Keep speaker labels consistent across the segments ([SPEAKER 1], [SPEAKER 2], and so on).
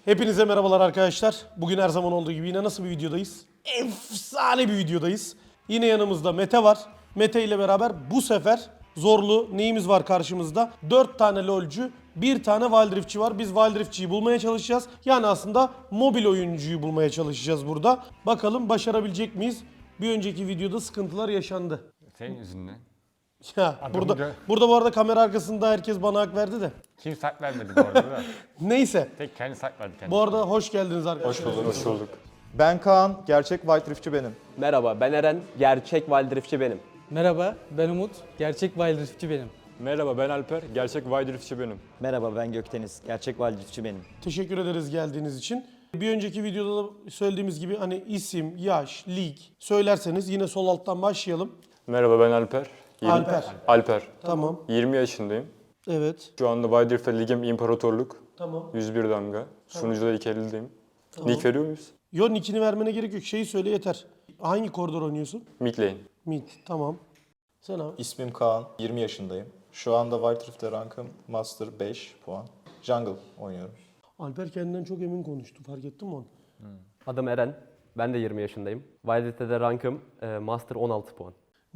[SPEAKER 1] Hepinize merhabalar arkadaşlar. Bugün her zaman olduğu gibi yine nasıl bir videodayız? Efsane bir videodayız. Yine yanımızda Mete var. Mete ile beraber bu sefer zorlu neyimiz var karşımızda? 4 tane LoL'cü, 1 tane Wild Rift'çi var. Biz Wild Rift'çiyi bulmaya çalışacağız. Yani aslında mobil oyuncuyu bulmaya çalışacağız burada. Bakalım başarabilecek miyiz? Bir önceki videoda sıkıntılar yaşandı.
[SPEAKER 2] Senin yüzünden.
[SPEAKER 1] Ya
[SPEAKER 2] Adamı
[SPEAKER 1] burada bu arada kamera arkasında herkes bana hak verdi de.
[SPEAKER 2] Kim sak vermedi bu arada da.
[SPEAKER 1] Neyse.
[SPEAKER 2] Tek kendi sak verdi kendisi.
[SPEAKER 1] Bu arada hoş geldiniz arkadaşlar.
[SPEAKER 3] Hoş bulduk. Ben Kaan, gerçek White Rift'çi benim.
[SPEAKER 4] Merhaba, ben Eren, gerçek Wild Rift'çi benim.
[SPEAKER 5] Merhaba, ben Umut. Gerçek Wild Rift'çi benim.
[SPEAKER 6] Merhaba ben Alper, gerçek Wild Rift'çi benim.
[SPEAKER 7] Merhaba ben Gökdeniz. Gerçek Wild Rift'çi benim.
[SPEAKER 1] Teşekkür ederiz geldiğiniz için. Bir önceki videoda da söylediğimiz gibi hani isim, yaş, lig söylerseniz yine sol alttan başlayalım.
[SPEAKER 6] Merhaba ben Alper. Alper.
[SPEAKER 1] Tamam.
[SPEAKER 6] 20 yaşındayım.
[SPEAKER 1] Evet.
[SPEAKER 6] Şu anda Wild Rift'te ligim İmparatorluk.
[SPEAKER 1] Tamam.
[SPEAKER 6] 101 damga. Sunucuda 2 elindeyim. Nick veriyor muyuz?
[SPEAKER 1] Yo, nickini vermene gerek yok. Şeyi söyle yeter. Hangi koridor oynuyorsun?
[SPEAKER 6] Mid lane.
[SPEAKER 1] Mid. Tamam. Sen abi.
[SPEAKER 3] İsmim Kaan, 20 yaşındayım. Şu anda White Rift'te rankım Master 5 puan. Jungle oynuyorum.
[SPEAKER 1] Alper kendinden çok emin konuştu. Fark ettin mi onu?
[SPEAKER 4] Adım Eren, ben de 20 yaşındayım. Wild Rift'te de rankım Master 16 puan.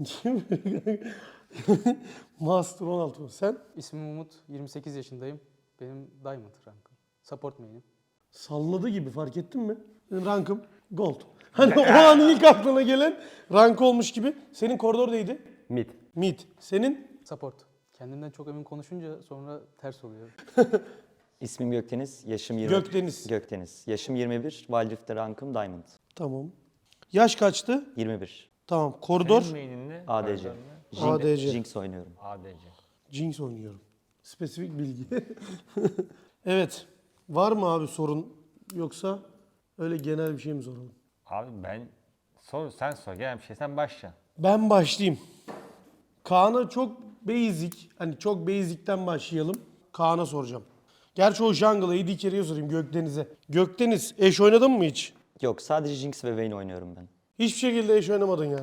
[SPEAKER 1] Master 16. Sen?
[SPEAKER 5] İsmim Umut, 28 yaşındayım. Benim Diamond rankım. Support main'im.
[SPEAKER 1] Salladı gibi, fark ettin mi? Benim rankım Gold. Hani o an ilk aklına gelen rank olmuş gibi. Senin koridor neydi?
[SPEAKER 4] Mid.
[SPEAKER 1] Mid. Senin?
[SPEAKER 5] Support. Kendimden çok emin konuşunca sonra ters oluyor.
[SPEAKER 7] İsmim Gökdeniz. Yaşım 20.
[SPEAKER 1] Gökdeniz.
[SPEAKER 7] Gökdeniz. Yaşım 21. Wild Rift'te rankım Diamond.
[SPEAKER 1] Tamam. Yaş kaçtı?
[SPEAKER 7] 21.
[SPEAKER 1] Tamam. Koridor?
[SPEAKER 2] Senin main'in
[SPEAKER 7] ADC.
[SPEAKER 1] ADC.
[SPEAKER 7] Jinx oynuyorum.
[SPEAKER 2] ADC.
[SPEAKER 1] Jinx oynuyorum. Spesifik bilgi. Evet. Var mı abi sorun, yoksa öyle genel bir şey mi soralım?
[SPEAKER 2] Abi sen sor. Gel bir şey sen başla.
[SPEAKER 1] Ben başlayayım. Kaan'a çok basic, hani çok basic'ten başlayalım. Kaan'a soracağım. Gerçi o jungle'a AD carry'e sorayım, Gökdeniz'e. Gökdeniz, eş oynadın mı hiç?
[SPEAKER 7] Yok sadece Jinx ve Vayne oynuyorum ben.
[SPEAKER 1] Hiçbir şekilde eş oynamadın yani.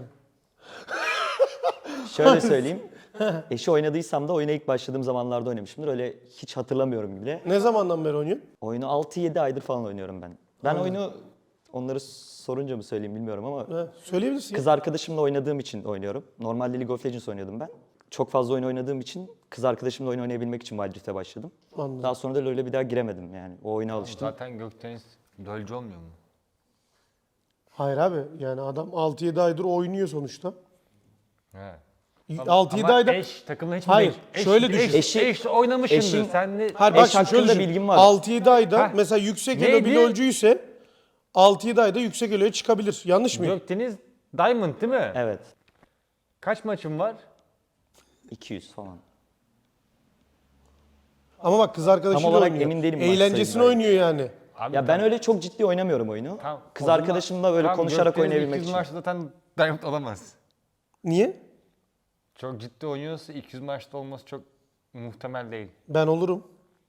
[SPEAKER 7] Şöyle söyleyeyim. Eşi oynadıysam da oyuna ilk başladığım zamanlarda oynamışımdır. Öyle hiç hatırlamıyorum bile.
[SPEAKER 1] Ne zamandan beri oynuyorsun?
[SPEAKER 7] Oyunu 6-7 aydır falan oynuyorum ben. Ben oyunu onları sorunca mı söyleyeyim bilmiyorum ama
[SPEAKER 1] Söyleyebilirsin.
[SPEAKER 7] kız arkadaşımla oynadığım için oynuyorum. Normalde League of Legends oynuyordum ben. Çok fazla oyun oynadığım için kız arkadaşımla oyun oynayabilmek için Wild Rift'e başladım.
[SPEAKER 1] Anladım.
[SPEAKER 7] Daha sonra da LoL'e bir daha giremedim yani. O oyuna alıştım.
[SPEAKER 2] Zaten Gökdeniz LoL'cü olmuyor mu?
[SPEAKER 1] Hayır abi, yani adam 6-7 aydır oynuyor sonuçta.
[SPEAKER 2] He.
[SPEAKER 1] 6-7
[SPEAKER 2] Ama
[SPEAKER 1] ayda...
[SPEAKER 2] eş takımla hiç
[SPEAKER 1] Hayır,
[SPEAKER 2] değil. Eş,
[SPEAKER 1] şöyle düşün.
[SPEAKER 2] Eş oynamışsındır.
[SPEAKER 7] Eşin-
[SPEAKER 2] Sen de
[SPEAKER 1] Hayır bak
[SPEAKER 7] Eş
[SPEAKER 1] şimdi şöyle
[SPEAKER 7] hakkında
[SPEAKER 1] düşün.
[SPEAKER 7] bilgim var.
[SPEAKER 1] 6-7 ayda
[SPEAKER 2] Heh.
[SPEAKER 1] mesela yüksek elo bir
[SPEAKER 2] Neydi?
[SPEAKER 1] LoL'cü ise 6-7 ayda yüksek eloya çıkabilir. Yanlış mıyım?
[SPEAKER 2] Gökdeniz Diamond değil mi?
[SPEAKER 7] Evet.
[SPEAKER 2] Kaç maçın var?
[SPEAKER 7] 200 falan.
[SPEAKER 1] Ama bak kız arkadaşıyla
[SPEAKER 7] olarak
[SPEAKER 1] oynuyor.
[SPEAKER 7] emin değilim maç
[SPEAKER 1] Eğlencesine
[SPEAKER 7] sayımına.
[SPEAKER 1] oynuyor yani.
[SPEAKER 2] Abi
[SPEAKER 7] Ya ben öyle çok ciddi oynamıyorum oyunu.
[SPEAKER 2] Tamam,
[SPEAKER 7] Kız
[SPEAKER 2] o zaman-
[SPEAKER 7] arkadaşımla böyle
[SPEAKER 2] tamam,
[SPEAKER 7] konuşarak
[SPEAKER 2] Gökdeniz
[SPEAKER 7] oynayabilmek
[SPEAKER 2] 200
[SPEAKER 7] için.
[SPEAKER 2] maçta zaten Diamond olamaz.
[SPEAKER 1] Niye?
[SPEAKER 2] Çok ciddi oynuyorsa 200 maçta olması çok muhtemel değil.
[SPEAKER 1] Ben olurum.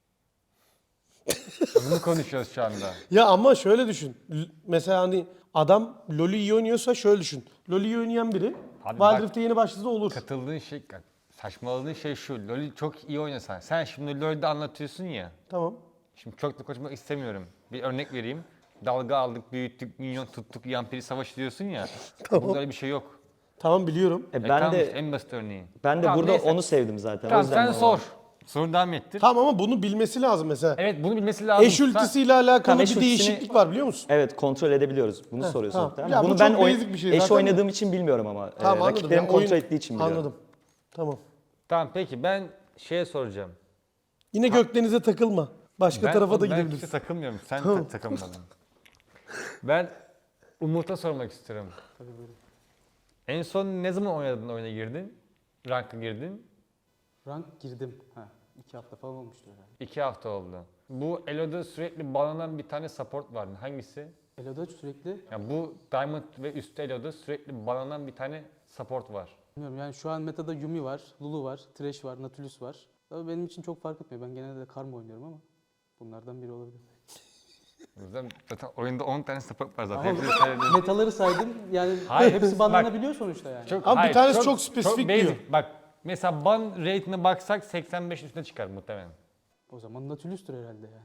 [SPEAKER 2] Bunu konuşuyoruz şu anda.
[SPEAKER 1] Ya ama şöyle düşün. Mesela hani adam LoL'ü iyi oynuyorsa şöyle düşün. LoL'ü iyi oynayan biri
[SPEAKER 2] Abi
[SPEAKER 1] Wild
[SPEAKER 2] bak-
[SPEAKER 1] Rift'e yeni başladı olur.
[SPEAKER 2] Katıldığın şey, saçmaladığın şey şu. LoL'ü çok iyi oynasan. Sen şimdi LoL'de anlatıyorsun ya.
[SPEAKER 1] Tamam.
[SPEAKER 2] Şimdi çok da konuşmak istemiyorum. Bir örnek vereyim. Dalga aldık, büyüttük, minyon tuttuk, yampiri savaşı diyorsun ya. Burada öyle bir şey yok.
[SPEAKER 1] Tamam biliyorum.
[SPEAKER 7] Ben
[SPEAKER 2] tamam
[SPEAKER 7] de
[SPEAKER 2] işte, en basit örneği.
[SPEAKER 7] ben de
[SPEAKER 2] Tamam,
[SPEAKER 7] burada
[SPEAKER 2] neyse.
[SPEAKER 7] onu sevdim zaten. O
[SPEAKER 2] Tamam
[SPEAKER 7] yüzden
[SPEAKER 2] sen
[SPEAKER 7] bana-
[SPEAKER 2] sor. Soru devam ettir.
[SPEAKER 1] Tamam ama bunu bilmesi lazım mesela.
[SPEAKER 2] Evet bunu bilmesi lazım.
[SPEAKER 1] Eş ultisiyle alakalı
[SPEAKER 7] Tamam,
[SPEAKER 1] bir
[SPEAKER 7] eş ultisini-
[SPEAKER 1] değişiklik var biliyor musun?
[SPEAKER 7] Evet kontrol edebiliyoruz. Bunu soruyorsun
[SPEAKER 1] tamam.
[SPEAKER 7] muhtemelen.
[SPEAKER 1] Ya bu
[SPEAKER 7] Bunu
[SPEAKER 1] çok
[SPEAKER 7] ben
[SPEAKER 1] basic bir şey
[SPEAKER 7] eş
[SPEAKER 1] zaten.
[SPEAKER 7] oynadığım için bilmiyorum ama.
[SPEAKER 1] Tamam anladım.
[SPEAKER 7] Rakiplerim
[SPEAKER 1] Ya,
[SPEAKER 7] kontrol ettiği için biliyorum.
[SPEAKER 1] Anladım. Tamam.
[SPEAKER 2] Tamam peki ben şeye soracağım.
[SPEAKER 1] Yine Gökdeniz'e takılma. Başka tarafa da
[SPEAKER 2] Ben
[SPEAKER 1] gidebilirsin.
[SPEAKER 2] hiç takılmıyorum. Sen takılmadın. Ben Umut'a sormak istiyorum. En son ne zaman oynadın, oyuna girdin? Rank'a girdin?
[SPEAKER 5] Rank girdim. 2 hafta falan olmuştu herhalde.
[SPEAKER 2] 2 hafta oldu. Bu Elo'da sürekli bağlanan bir tane support vardı. Hangisi?
[SPEAKER 5] Elo'da sürekli,
[SPEAKER 2] Yani bu Diamond ve üstü Elo'da sürekli bağlanan bir tane support var.
[SPEAKER 5] bilmiyorum yani şu an metada Yumi var, Lulu var, Thresh var, Nautilus var. Tabii benim için çok fark etmiyor. Ben genelde de Karma oynuyorum ama bunlardan biri olabilir.
[SPEAKER 2] O yüzden zaten oyunda 10 tane support var zaten.
[SPEAKER 5] Ama
[SPEAKER 2] Hepsini sayabilirim.
[SPEAKER 5] metaları saydım yani
[SPEAKER 2] Hayır,
[SPEAKER 5] hepsi
[SPEAKER 2] bak-
[SPEAKER 5] banlanabiliyor sonuçta yani.
[SPEAKER 2] Çok,
[SPEAKER 1] Ama bir
[SPEAKER 2] hayır,
[SPEAKER 1] tanesi çok spesifik
[SPEAKER 2] basic.
[SPEAKER 1] diyor.
[SPEAKER 2] Bak mesela ban rate'ine baksak 85 üstüne çıkar muhtemelen.
[SPEAKER 5] O zaman Nautilus'tur herhalde yani.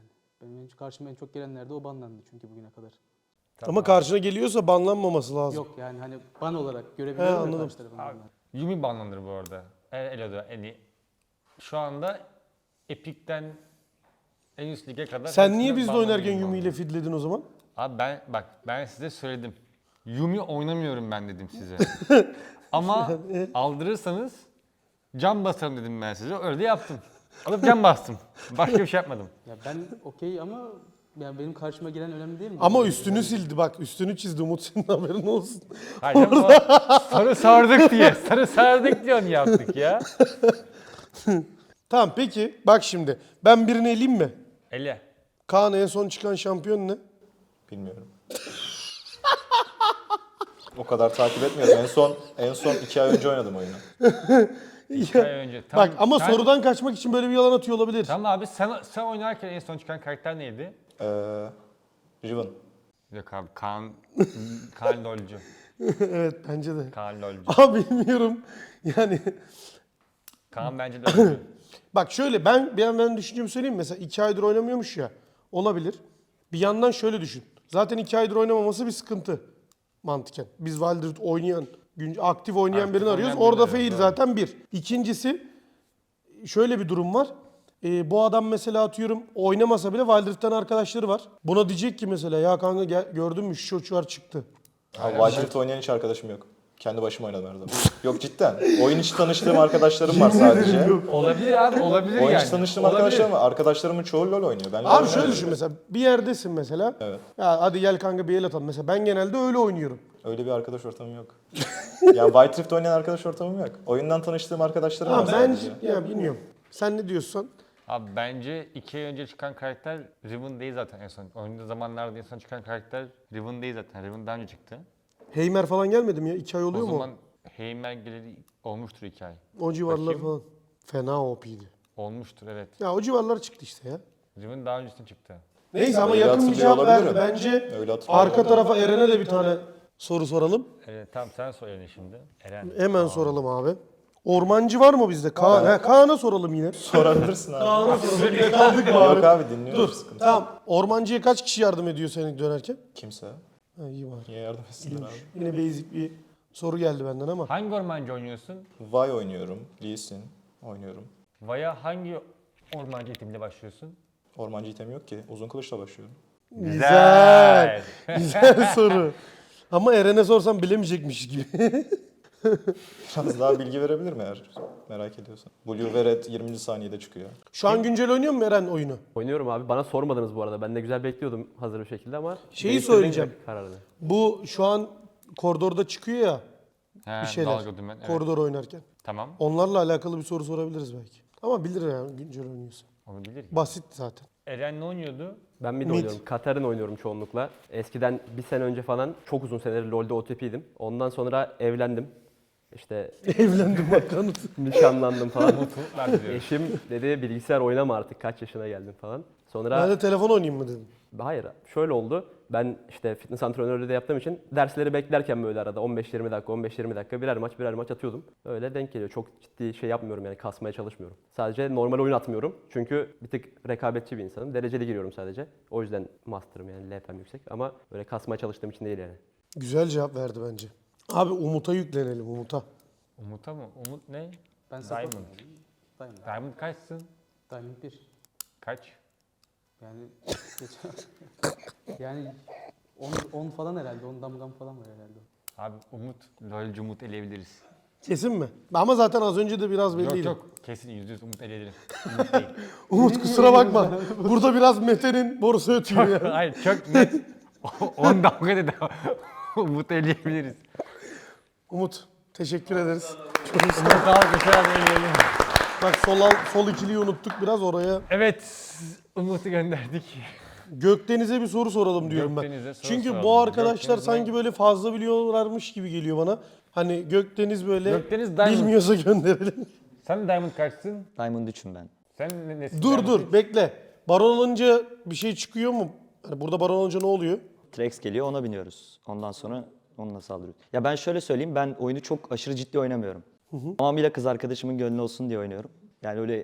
[SPEAKER 5] Benim karşıma en çok gelenler de o banlandı çünkü bugüne kadar.
[SPEAKER 1] Ama karşına geliyorsa banlanmaması lazım.
[SPEAKER 5] Yok yani hani ban olarak görebiliyorum ya
[SPEAKER 1] anladım.
[SPEAKER 5] karşı tarafın
[SPEAKER 2] Abi,
[SPEAKER 5] banlandığını.
[SPEAKER 2] Yumi banlanır bu arada. Elo'da yani şu anda Epic'ten en üst lige kadar.
[SPEAKER 1] Sen
[SPEAKER 2] hepsine
[SPEAKER 1] niye bizle
[SPEAKER 2] banlanıyor
[SPEAKER 1] oynarken
[SPEAKER 2] bu
[SPEAKER 1] Yumi
[SPEAKER 2] arada.
[SPEAKER 1] ile fidledin o zaman?
[SPEAKER 2] Abi ben size söyledim. Yumi oynamıyorum ben dedim size. Ama aldırırsanız cam basarım dedim ben size. Öyle de yaptım. Alıp cam bastım. Başka bir şey yapmadım.
[SPEAKER 5] Ya ben okey ama yani benim karşıma gelen önemli değil mi?
[SPEAKER 1] Ama
[SPEAKER 5] Yani
[SPEAKER 1] üstünü sildi bak. Üstünü çizdi Umut, senin haberin olsun.
[SPEAKER 2] Hayır canım, o sarı sardık diye. Sarı sardık diye onu yaptık ya.
[SPEAKER 1] Tamam peki bak şimdi. Ben birini eleyeyim mi?
[SPEAKER 2] Ele.
[SPEAKER 1] Kaan en son çıkan şampiyon ne?
[SPEAKER 3] Bilmiyorum. O kadar takip etmiyorum. En son 2 ay önce oynadım oyunu.
[SPEAKER 2] 2 ay önce.
[SPEAKER 1] Bak ama
[SPEAKER 2] sen-
[SPEAKER 1] sorudan kaçmak için böyle bir yalan atıyor olabilir.
[SPEAKER 2] Tamam abi sen oynarken en son çıkan karakter neydi?
[SPEAKER 3] Riven.
[SPEAKER 2] Yok abi Kaan LoL'cu.
[SPEAKER 1] Evet bence de.
[SPEAKER 2] Kaan LoL'cu.
[SPEAKER 1] Abi bilmiyorum. Yani
[SPEAKER 2] Kaan bence LoL'cu.
[SPEAKER 1] bak şöyle ben düşüncemi söyleyeyim mi? Mesela 2 aydır oynamıyormuş ya. Olabilir. Bir yandan şöyle düşün. Zaten 2 aydır oynamaması bir sıkıntı. Mantıken. Biz Wild Rift oynayan, aktif oynayan
[SPEAKER 2] Aktif
[SPEAKER 1] birini arıyoruz.
[SPEAKER 2] oynayan birini
[SPEAKER 1] Orada fail
[SPEAKER 2] arıyoruz,
[SPEAKER 1] zaten bir. İkincisi şöyle bir durum var. Bu adam mesela atıyorum oynamasa bile Wild Rift'ten arkadaşları var. Buna diyecek ki mesela ya kanka gördün mü şu çocuğlar çıktı.
[SPEAKER 3] Wild Rift oynayan hiç arkadaşım yok. Kendi başıma oynadım her zaman. Yok cidden. Oyun içi tanıştığım arkadaşlarım var sadece.
[SPEAKER 2] Olabilir abi olabilir
[SPEAKER 3] Oyun
[SPEAKER 2] yani.
[SPEAKER 3] içi tanıştığım
[SPEAKER 2] Olabilir.
[SPEAKER 3] arkadaşlarım var. Arkadaşlarımın çoğu LoL oynuyor. Ben LoL
[SPEAKER 1] Abi şöyle
[SPEAKER 3] oynamıyorum.
[SPEAKER 1] düşün mesela bir yerdesin mesela.
[SPEAKER 3] Evet.
[SPEAKER 1] Ya hadi gel kanka bir el atalım. Mesela ben genelde öyle oynuyorum.
[SPEAKER 3] Öyle bir arkadaş ortamım yok. Yani Wild Rift oynayan arkadaş ortamım yok. Oyundan tanıştığım arkadaşlarım var
[SPEAKER 1] Ha, ben
[SPEAKER 3] sadece.
[SPEAKER 1] ya bilmiyorum. Sen ne diyorsun?
[SPEAKER 2] Abi bence 2 ay önce çıkan karakter Riven değil zaten en son. Oynadığı zamanlarda en son çıkan karakter Riven değil zaten. Riven daha önce çıktı.
[SPEAKER 1] Heimer falan gelmedi mi ya? 2 ay oluyor
[SPEAKER 2] O
[SPEAKER 1] mu?
[SPEAKER 2] zaman Heimer geleli olmuştur 2 ay.
[SPEAKER 1] O civarlar
[SPEAKER 2] Bakayım.
[SPEAKER 1] falan. Fena OP'ydi.
[SPEAKER 2] Olmuştur evet.
[SPEAKER 1] Ya o civarlar çıktı işte ya.
[SPEAKER 2] Riven daha öncesinde çıktı.
[SPEAKER 1] Neyse ama
[SPEAKER 3] Öyle
[SPEAKER 1] yakın bir
[SPEAKER 3] hatırlıyor
[SPEAKER 1] cevap verdi.
[SPEAKER 3] olabilirim.
[SPEAKER 1] Bence
[SPEAKER 3] Öyle hatırlıyorum.
[SPEAKER 1] arka tarafa Eren'e de bir tane soru soralım.
[SPEAKER 2] Tamam sen söyle şimdi. Eren.
[SPEAKER 1] Hemen soralım abi. Ormancı var mı bizde? Kaan. Kaan'a soralım yine.
[SPEAKER 3] Sorabilirsin abi.
[SPEAKER 1] Kaan'a soralım. Yine kaldık bari.
[SPEAKER 3] Yok abi dinliyorum.
[SPEAKER 1] Dur.
[SPEAKER 3] Sıkıntı.
[SPEAKER 1] Tamam. Ormancıya kaç kişi yardım ediyor seni dönerken?
[SPEAKER 3] Kimse.
[SPEAKER 1] Ha, iyi var.
[SPEAKER 3] Niye yardım etsinler abi?
[SPEAKER 1] Yine basic bir soru geldi benden ama.
[SPEAKER 2] Hangi ormancı oynuyorsun?
[SPEAKER 3] Vi oynuyorum. Lee Sin oynuyorum.
[SPEAKER 2] Vaya hangi ormancı itimiyle başlıyorsun?
[SPEAKER 3] Ormancı item yok ki. Uzun kılıçla başlıyorum.
[SPEAKER 1] Güzel. Güzel soru. Ama Eren'e sorsam bilemeyecekmiş gibi.
[SPEAKER 3] Biraz daha bilgi verebilirim eğer merak ediyorsan. Blue ve Red 20. saniyede çıkıyor.
[SPEAKER 1] Şu an güncel oynuyor mu Eren oyunu?
[SPEAKER 4] Oynuyorum abi. Bana sormadınız bu arada. Ben de güzel bekliyordum hazır bir şekilde ama...
[SPEAKER 1] Şeyi
[SPEAKER 4] değiştirdim
[SPEAKER 1] söyleyeceğim.
[SPEAKER 4] Kararını.
[SPEAKER 1] Bu şu an koridorda çıkıyor ya
[SPEAKER 2] He,
[SPEAKER 1] bir şeyler.
[SPEAKER 2] dalga dümen. Evet.
[SPEAKER 1] Koridor oynarken.
[SPEAKER 2] Tamam.
[SPEAKER 1] Onlarla alakalı bir soru sorabiliriz belki. Ama bilir yani güncel oynuyorsa.
[SPEAKER 2] Onu bilir.
[SPEAKER 1] Basit zaten.
[SPEAKER 2] Eren ne oynuyordu?
[SPEAKER 4] Ben mid
[SPEAKER 1] Mid.
[SPEAKER 4] oynuyorum. Katar'ın oynuyorum çoğunlukla. Eskiden bir sene önce falan çok uzun seneler LoL'de OTP'ydim. Ondan sonra evlendim. İşte
[SPEAKER 1] Evlendim bak kanıt.
[SPEAKER 4] nişanlandım falan.
[SPEAKER 2] Mutluluklar diliyorum.
[SPEAKER 4] Eşim dedi bilgisayar oynama artık kaç yaşına geldin falan. Sonra
[SPEAKER 1] Ben de telefon oynayayım mı dedim.
[SPEAKER 4] hayır şöyle oldu. Ben işte fitness antrenörlüğü de yaptığım için dersleri beklerken böyle arada 15-20 dakika 15-20 dakika birer maç atıyordum. Öyle denk geliyor. Çok ciddi şey yapmıyorum yani kasmaya çalışmıyorum. Sadece normal oyun atmıyorum. Çünkü bir tık rekabetçi bir insanım. Dereceli giriyorum sadece. O yüzden master'ım yani LP'm yüksek ama böyle kasmaya çalıştığım için değil yani.
[SPEAKER 1] Güzel cevap verdi bence. Abi Umut'a yüklenelim Umut'a.
[SPEAKER 2] Umut'a mı? Umut ne?
[SPEAKER 5] Ben
[SPEAKER 2] Diamond.
[SPEAKER 5] Diamond.
[SPEAKER 2] Diamond kaçsın?
[SPEAKER 5] Diamond 1.
[SPEAKER 2] Kaç?
[SPEAKER 5] Yani yani 10 falan herhalde. 10 damgam falan var herhalde.
[SPEAKER 2] Abi Umut, LoL'cu Umut eleyebiliriz.
[SPEAKER 1] Kesin mi? Ama zaten az önce de biraz belliydi.
[SPEAKER 2] Yok kesin %100 Umut eleyelim. Umut değil.
[SPEAKER 1] Umut kusura bakma. Burada biraz Mete'nin borusu ötüyor ya.
[SPEAKER 2] Hayır çok net. 10 dakika dedi. Umut eleyebiliriz.
[SPEAKER 1] Umut teşekkür ederiz. Çok sağ ol.
[SPEAKER 2] Umut alkışlar eleyelim.
[SPEAKER 1] Bak sol ikiliyi unuttuk biraz oraya.
[SPEAKER 2] Evet Umut'u gönderdik.
[SPEAKER 1] Gökdeniz'e bir soru soralım diyorum
[SPEAKER 2] Gökdeniz'e
[SPEAKER 1] ben.
[SPEAKER 2] soru
[SPEAKER 1] Çünkü
[SPEAKER 2] soralım.
[SPEAKER 1] bu arkadaşlar
[SPEAKER 2] Gökdeniz'e-
[SPEAKER 1] sanki böyle fazla biliyorlarmış gibi geliyor bana. Hani Gökdeniz böyle
[SPEAKER 2] Gökdeniz Diamond.
[SPEAKER 1] bilmiyorsa gönderelim.
[SPEAKER 2] Sen Diamond kaçsın?
[SPEAKER 7] Diamond 3'üm ben.
[SPEAKER 2] Sen nesin?
[SPEAKER 1] Dur
[SPEAKER 2] Diamond?
[SPEAKER 1] dur bekle. Baron olunca bir şey çıkıyor mu? Hani burada baron olunca ne oluyor?
[SPEAKER 7] Trex geliyor ona biniyoruz. Ondan sonra onunla saldırıyoruz. Ya ben şöyle söyleyeyim ben oyunu çok aşırı ciddi oynamıyorum. Tamamıyla kız arkadaşımın gönlü olsun diye oynuyorum. Yani öyle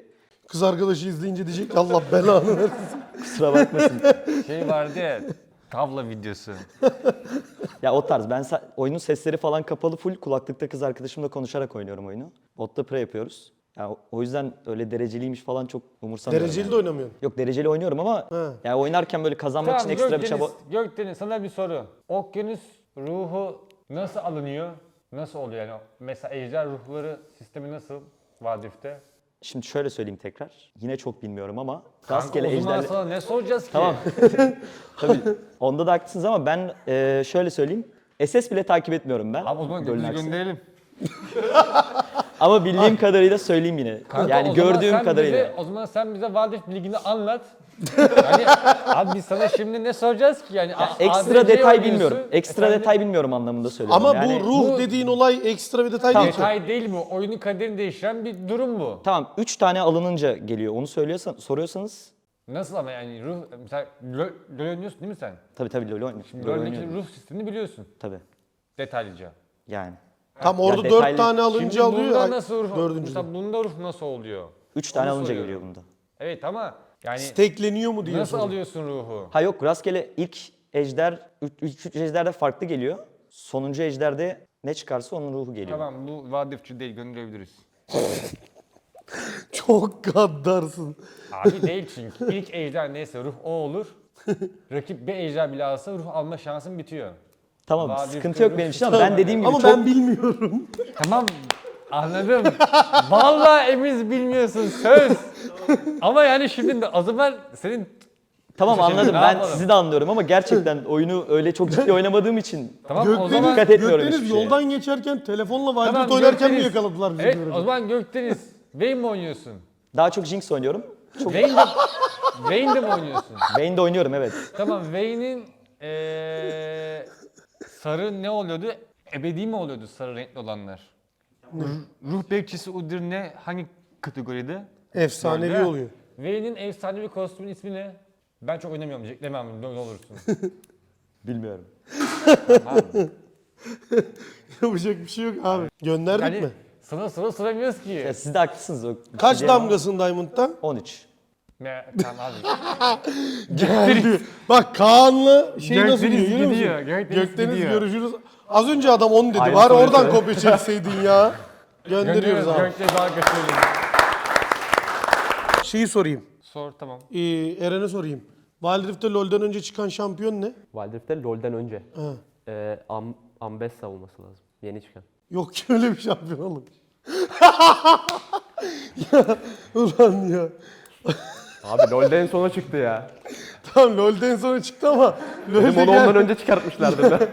[SPEAKER 1] Kız arkadaşı izleyince diyecek ki Allah belanı versin.
[SPEAKER 7] Kusura bakmasın.
[SPEAKER 2] Şey vardı ya, tavla videosu.
[SPEAKER 7] Ya o tarz. Ben oyunun sesleri falan kapalı, full kulaklıkta kız arkadaşımla konuşarak oynuyorum oyunu. Botta pre yapıyoruz. Ya o yüzden öyle dereceliymiş falan çok umursamıyorum.
[SPEAKER 1] Dereceli
[SPEAKER 7] yani.
[SPEAKER 1] de oynamıyorsun.
[SPEAKER 7] Yok, dereceli oynuyorum ama yani oynarken böyle kazanmak için ekstra bir çaba...
[SPEAKER 2] Gökdeniz sana bir soru. Okyanus ruhu nasıl alınıyor? Nasıl oluyor yani? Mesela ejder ruhları sistemi nasıl Vadif'te?
[SPEAKER 7] Şimdi şöyle söyleyeyim tekrar. Yine çok bilmiyorum ama
[SPEAKER 2] Kanka
[SPEAKER 7] rastgele
[SPEAKER 2] o zaman
[SPEAKER 7] ejderle...
[SPEAKER 2] sana ne soracağız ki?
[SPEAKER 7] Tamam. Tabii onda da haklısınız ama ben şöyle söyleyeyim. SS bile takip etmiyorum ben.
[SPEAKER 2] Abi o zaman
[SPEAKER 7] Golün
[SPEAKER 2] Gökdeniz'i
[SPEAKER 7] aksine.
[SPEAKER 2] gönderelim.
[SPEAKER 7] Ama bildiğim kadarıyla söyleyeyim yine.
[SPEAKER 2] Kanka,
[SPEAKER 7] yani
[SPEAKER 2] o zaman
[SPEAKER 7] gördüğüm
[SPEAKER 2] sen
[SPEAKER 7] kadarıyla.
[SPEAKER 2] o zaman sen bize Vadif ligini anlat. Yani abi biz sana şimdi ne soracağız ki? Yani
[SPEAKER 7] Ekstra
[SPEAKER 2] ADC
[SPEAKER 7] detay
[SPEAKER 2] oynuyorsun.
[SPEAKER 7] bilmiyorum. Ekstra
[SPEAKER 2] Efendim?
[SPEAKER 7] detay bilmiyorum anlamında söylüyorum.
[SPEAKER 1] Ama
[SPEAKER 7] yani,
[SPEAKER 1] bu ruh
[SPEAKER 2] bu-
[SPEAKER 1] dediğin olay ekstra bir detay değil ki.
[SPEAKER 2] Detay değil mi? Oyunun kaderini değiştiren bir durum bu.
[SPEAKER 7] Tamam 3 tane alınınca geliyor. Onu soruyorsanız
[SPEAKER 2] Nasıl ama yani ruh mesela LoL oynuyorsun değil mi sen?
[SPEAKER 7] tabii LoL oynuyorum.
[SPEAKER 2] Şimdi
[SPEAKER 7] LoL
[SPEAKER 2] LoL'deki
[SPEAKER 7] oynuyorum.
[SPEAKER 2] ruh sistemini biliyorsun
[SPEAKER 7] Tabii
[SPEAKER 2] detaylıca.
[SPEAKER 7] yani.
[SPEAKER 1] Tam orada
[SPEAKER 7] Ya
[SPEAKER 1] 4
[SPEAKER 7] detaylı-
[SPEAKER 1] tane
[SPEAKER 2] Şimdi
[SPEAKER 1] alınca alıyor.
[SPEAKER 2] bunda
[SPEAKER 1] Ay,
[SPEAKER 2] nasıl ruh?
[SPEAKER 1] dördüncüde.
[SPEAKER 2] Mesela bunda ruh nasıl oluyor?
[SPEAKER 7] 3 tane
[SPEAKER 2] Onu
[SPEAKER 7] alınca
[SPEAKER 2] soruyorum.
[SPEAKER 7] geliyor bunda.
[SPEAKER 2] Evet ama yani
[SPEAKER 1] Stekleniyor mu diye
[SPEAKER 2] nasıl
[SPEAKER 1] soruyor.
[SPEAKER 2] alıyorsun ruhu?
[SPEAKER 7] Ha yok rastgele ilk ejder, 3 ejderde farklı geliyor. Sonuncu ejderde ne çıkarsa onun ruhu geliyor.
[SPEAKER 2] Tamam bu vadifçi değil gönderebiliriz.
[SPEAKER 1] Çok gaddarsın.
[SPEAKER 2] Abi değil çünkü ilk ejder neyse ruh o olur. Rakip bir ejder bile alsa ruh alma şansın bitiyor.
[SPEAKER 7] Tamam
[SPEAKER 2] Vadif
[SPEAKER 7] sıkıntı yok
[SPEAKER 2] ruh
[SPEAKER 7] benim için ama ben dediğim gibi
[SPEAKER 1] Ama
[SPEAKER 7] çok...
[SPEAKER 1] ben bilmiyorum.
[SPEAKER 2] Tamam anladım. Vallahi Emiz bilmiyorsun söz. Ama yani şimdi de o zaman senin
[SPEAKER 7] Tamam
[SPEAKER 2] Şimdi
[SPEAKER 7] anladım
[SPEAKER 2] ne
[SPEAKER 7] ben
[SPEAKER 2] yapalım?
[SPEAKER 7] sizi de anlıyorum ama gerçekten oyunu öyle çok ciddi oynamadığım için
[SPEAKER 2] tamam o
[SPEAKER 1] Gökdeniz,
[SPEAKER 2] zaman
[SPEAKER 7] dikkat etmiyorum
[SPEAKER 1] Gökdeniz
[SPEAKER 7] hiçbir şeye.
[SPEAKER 1] yoldan geçerken telefonla
[SPEAKER 2] Tamam,
[SPEAKER 1] Valorant oynarken mi
[SPEAKER 2] Gökdeniz.
[SPEAKER 1] yakaladılar bizi?
[SPEAKER 2] Evet
[SPEAKER 1] böyle?
[SPEAKER 2] o zaman Gökdeniz Vayne mi oynuyorsun?
[SPEAKER 7] Daha çok Jinx oynuyorum.
[SPEAKER 2] Vayne'de mi oynuyorsun?
[SPEAKER 7] Vayne'de oynuyorum evet.
[SPEAKER 2] Tamam Vayne'in sarı ne oluyordu? Ebedi mi oluyordu sarı renkli olanlar? Ruh bekçisi Udyr ne? Hangi kategoride?
[SPEAKER 1] Efsanevi
[SPEAKER 2] Böyle.
[SPEAKER 1] oluyor.
[SPEAKER 2] Vayne'in efsanevi kostümün ismi ne? Ben çok oynamıyorum. Demem ne olursun.
[SPEAKER 7] Bilmiyorum.
[SPEAKER 1] Yapacak bir şey yok abi. Gönderdik
[SPEAKER 2] Yani
[SPEAKER 1] mi?
[SPEAKER 2] sıra sıramıyoruz ki.
[SPEAKER 7] Ya siz de haklısınız. O
[SPEAKER 1] Kaç
[SPEAKER 7] şey diyemem.
[SPEAKER 1] damgasın Diamond'da?
[SPEAKER 7] 13.
[SPEAKER 2] Tamam abi.
[SPEAKER 1] Geldi. Bak Kaan'la şey nasıl
[SPEAKER 2] Gökdeniz
[SPEAKER 1] diyor görüyor
[SPEAKER 2] gidiyor,
[SPEAKER 1] musun?
[SPEAKER 2] Gökdeniz
[SPEAKER 1] Gökdeniz
[SPEAKER 2] gidiyor.
[SPEAKER 1] görüşürüz. Az önce adam 10 dedi.
[SPEAKER 7] Aynı
[SPEAKER 1] Var
[SPEAKER 7] sonuç
[SPEAKER 1] oradan
[SPEAKER 7] evet.
[SPEAKER 1] kopya çekseydin ya. Gönderiyoruz abi.
[SPEAKER 2] Gökdeniz daha kaçırdım.
[SPEAKER 1] Şeyi sorayım.
[SPEAKER 2] Sor tamam.
[SPEAKER 1] Eren'e sorayım. Wild Rift'te LoL'den önce çıkan şampiyon ne?
[SPEAKER 4] Wild Rift'te LoL'den önce.
[SPEAKER 1] He.
[SPEAKER 4] Ambessa olması lazım. Yeni çıkan.
[SPEAKER 1] Yok ki öyle bir şampiyon oğlum. Ya ulan ya.
[SPEAKER 4] Abi LoL'den sonra çıktı ya.
[SPEAKER 1] Tamam LoL'den sonra çıktı ama
[SPEAKER 4] Dedim
[SPEAKER 1] LoL'de
[SPEAKER 4] onu ondan
[SPEAKER 1] gel.
[SPEAKER 4] önce çıkartmışlardı da.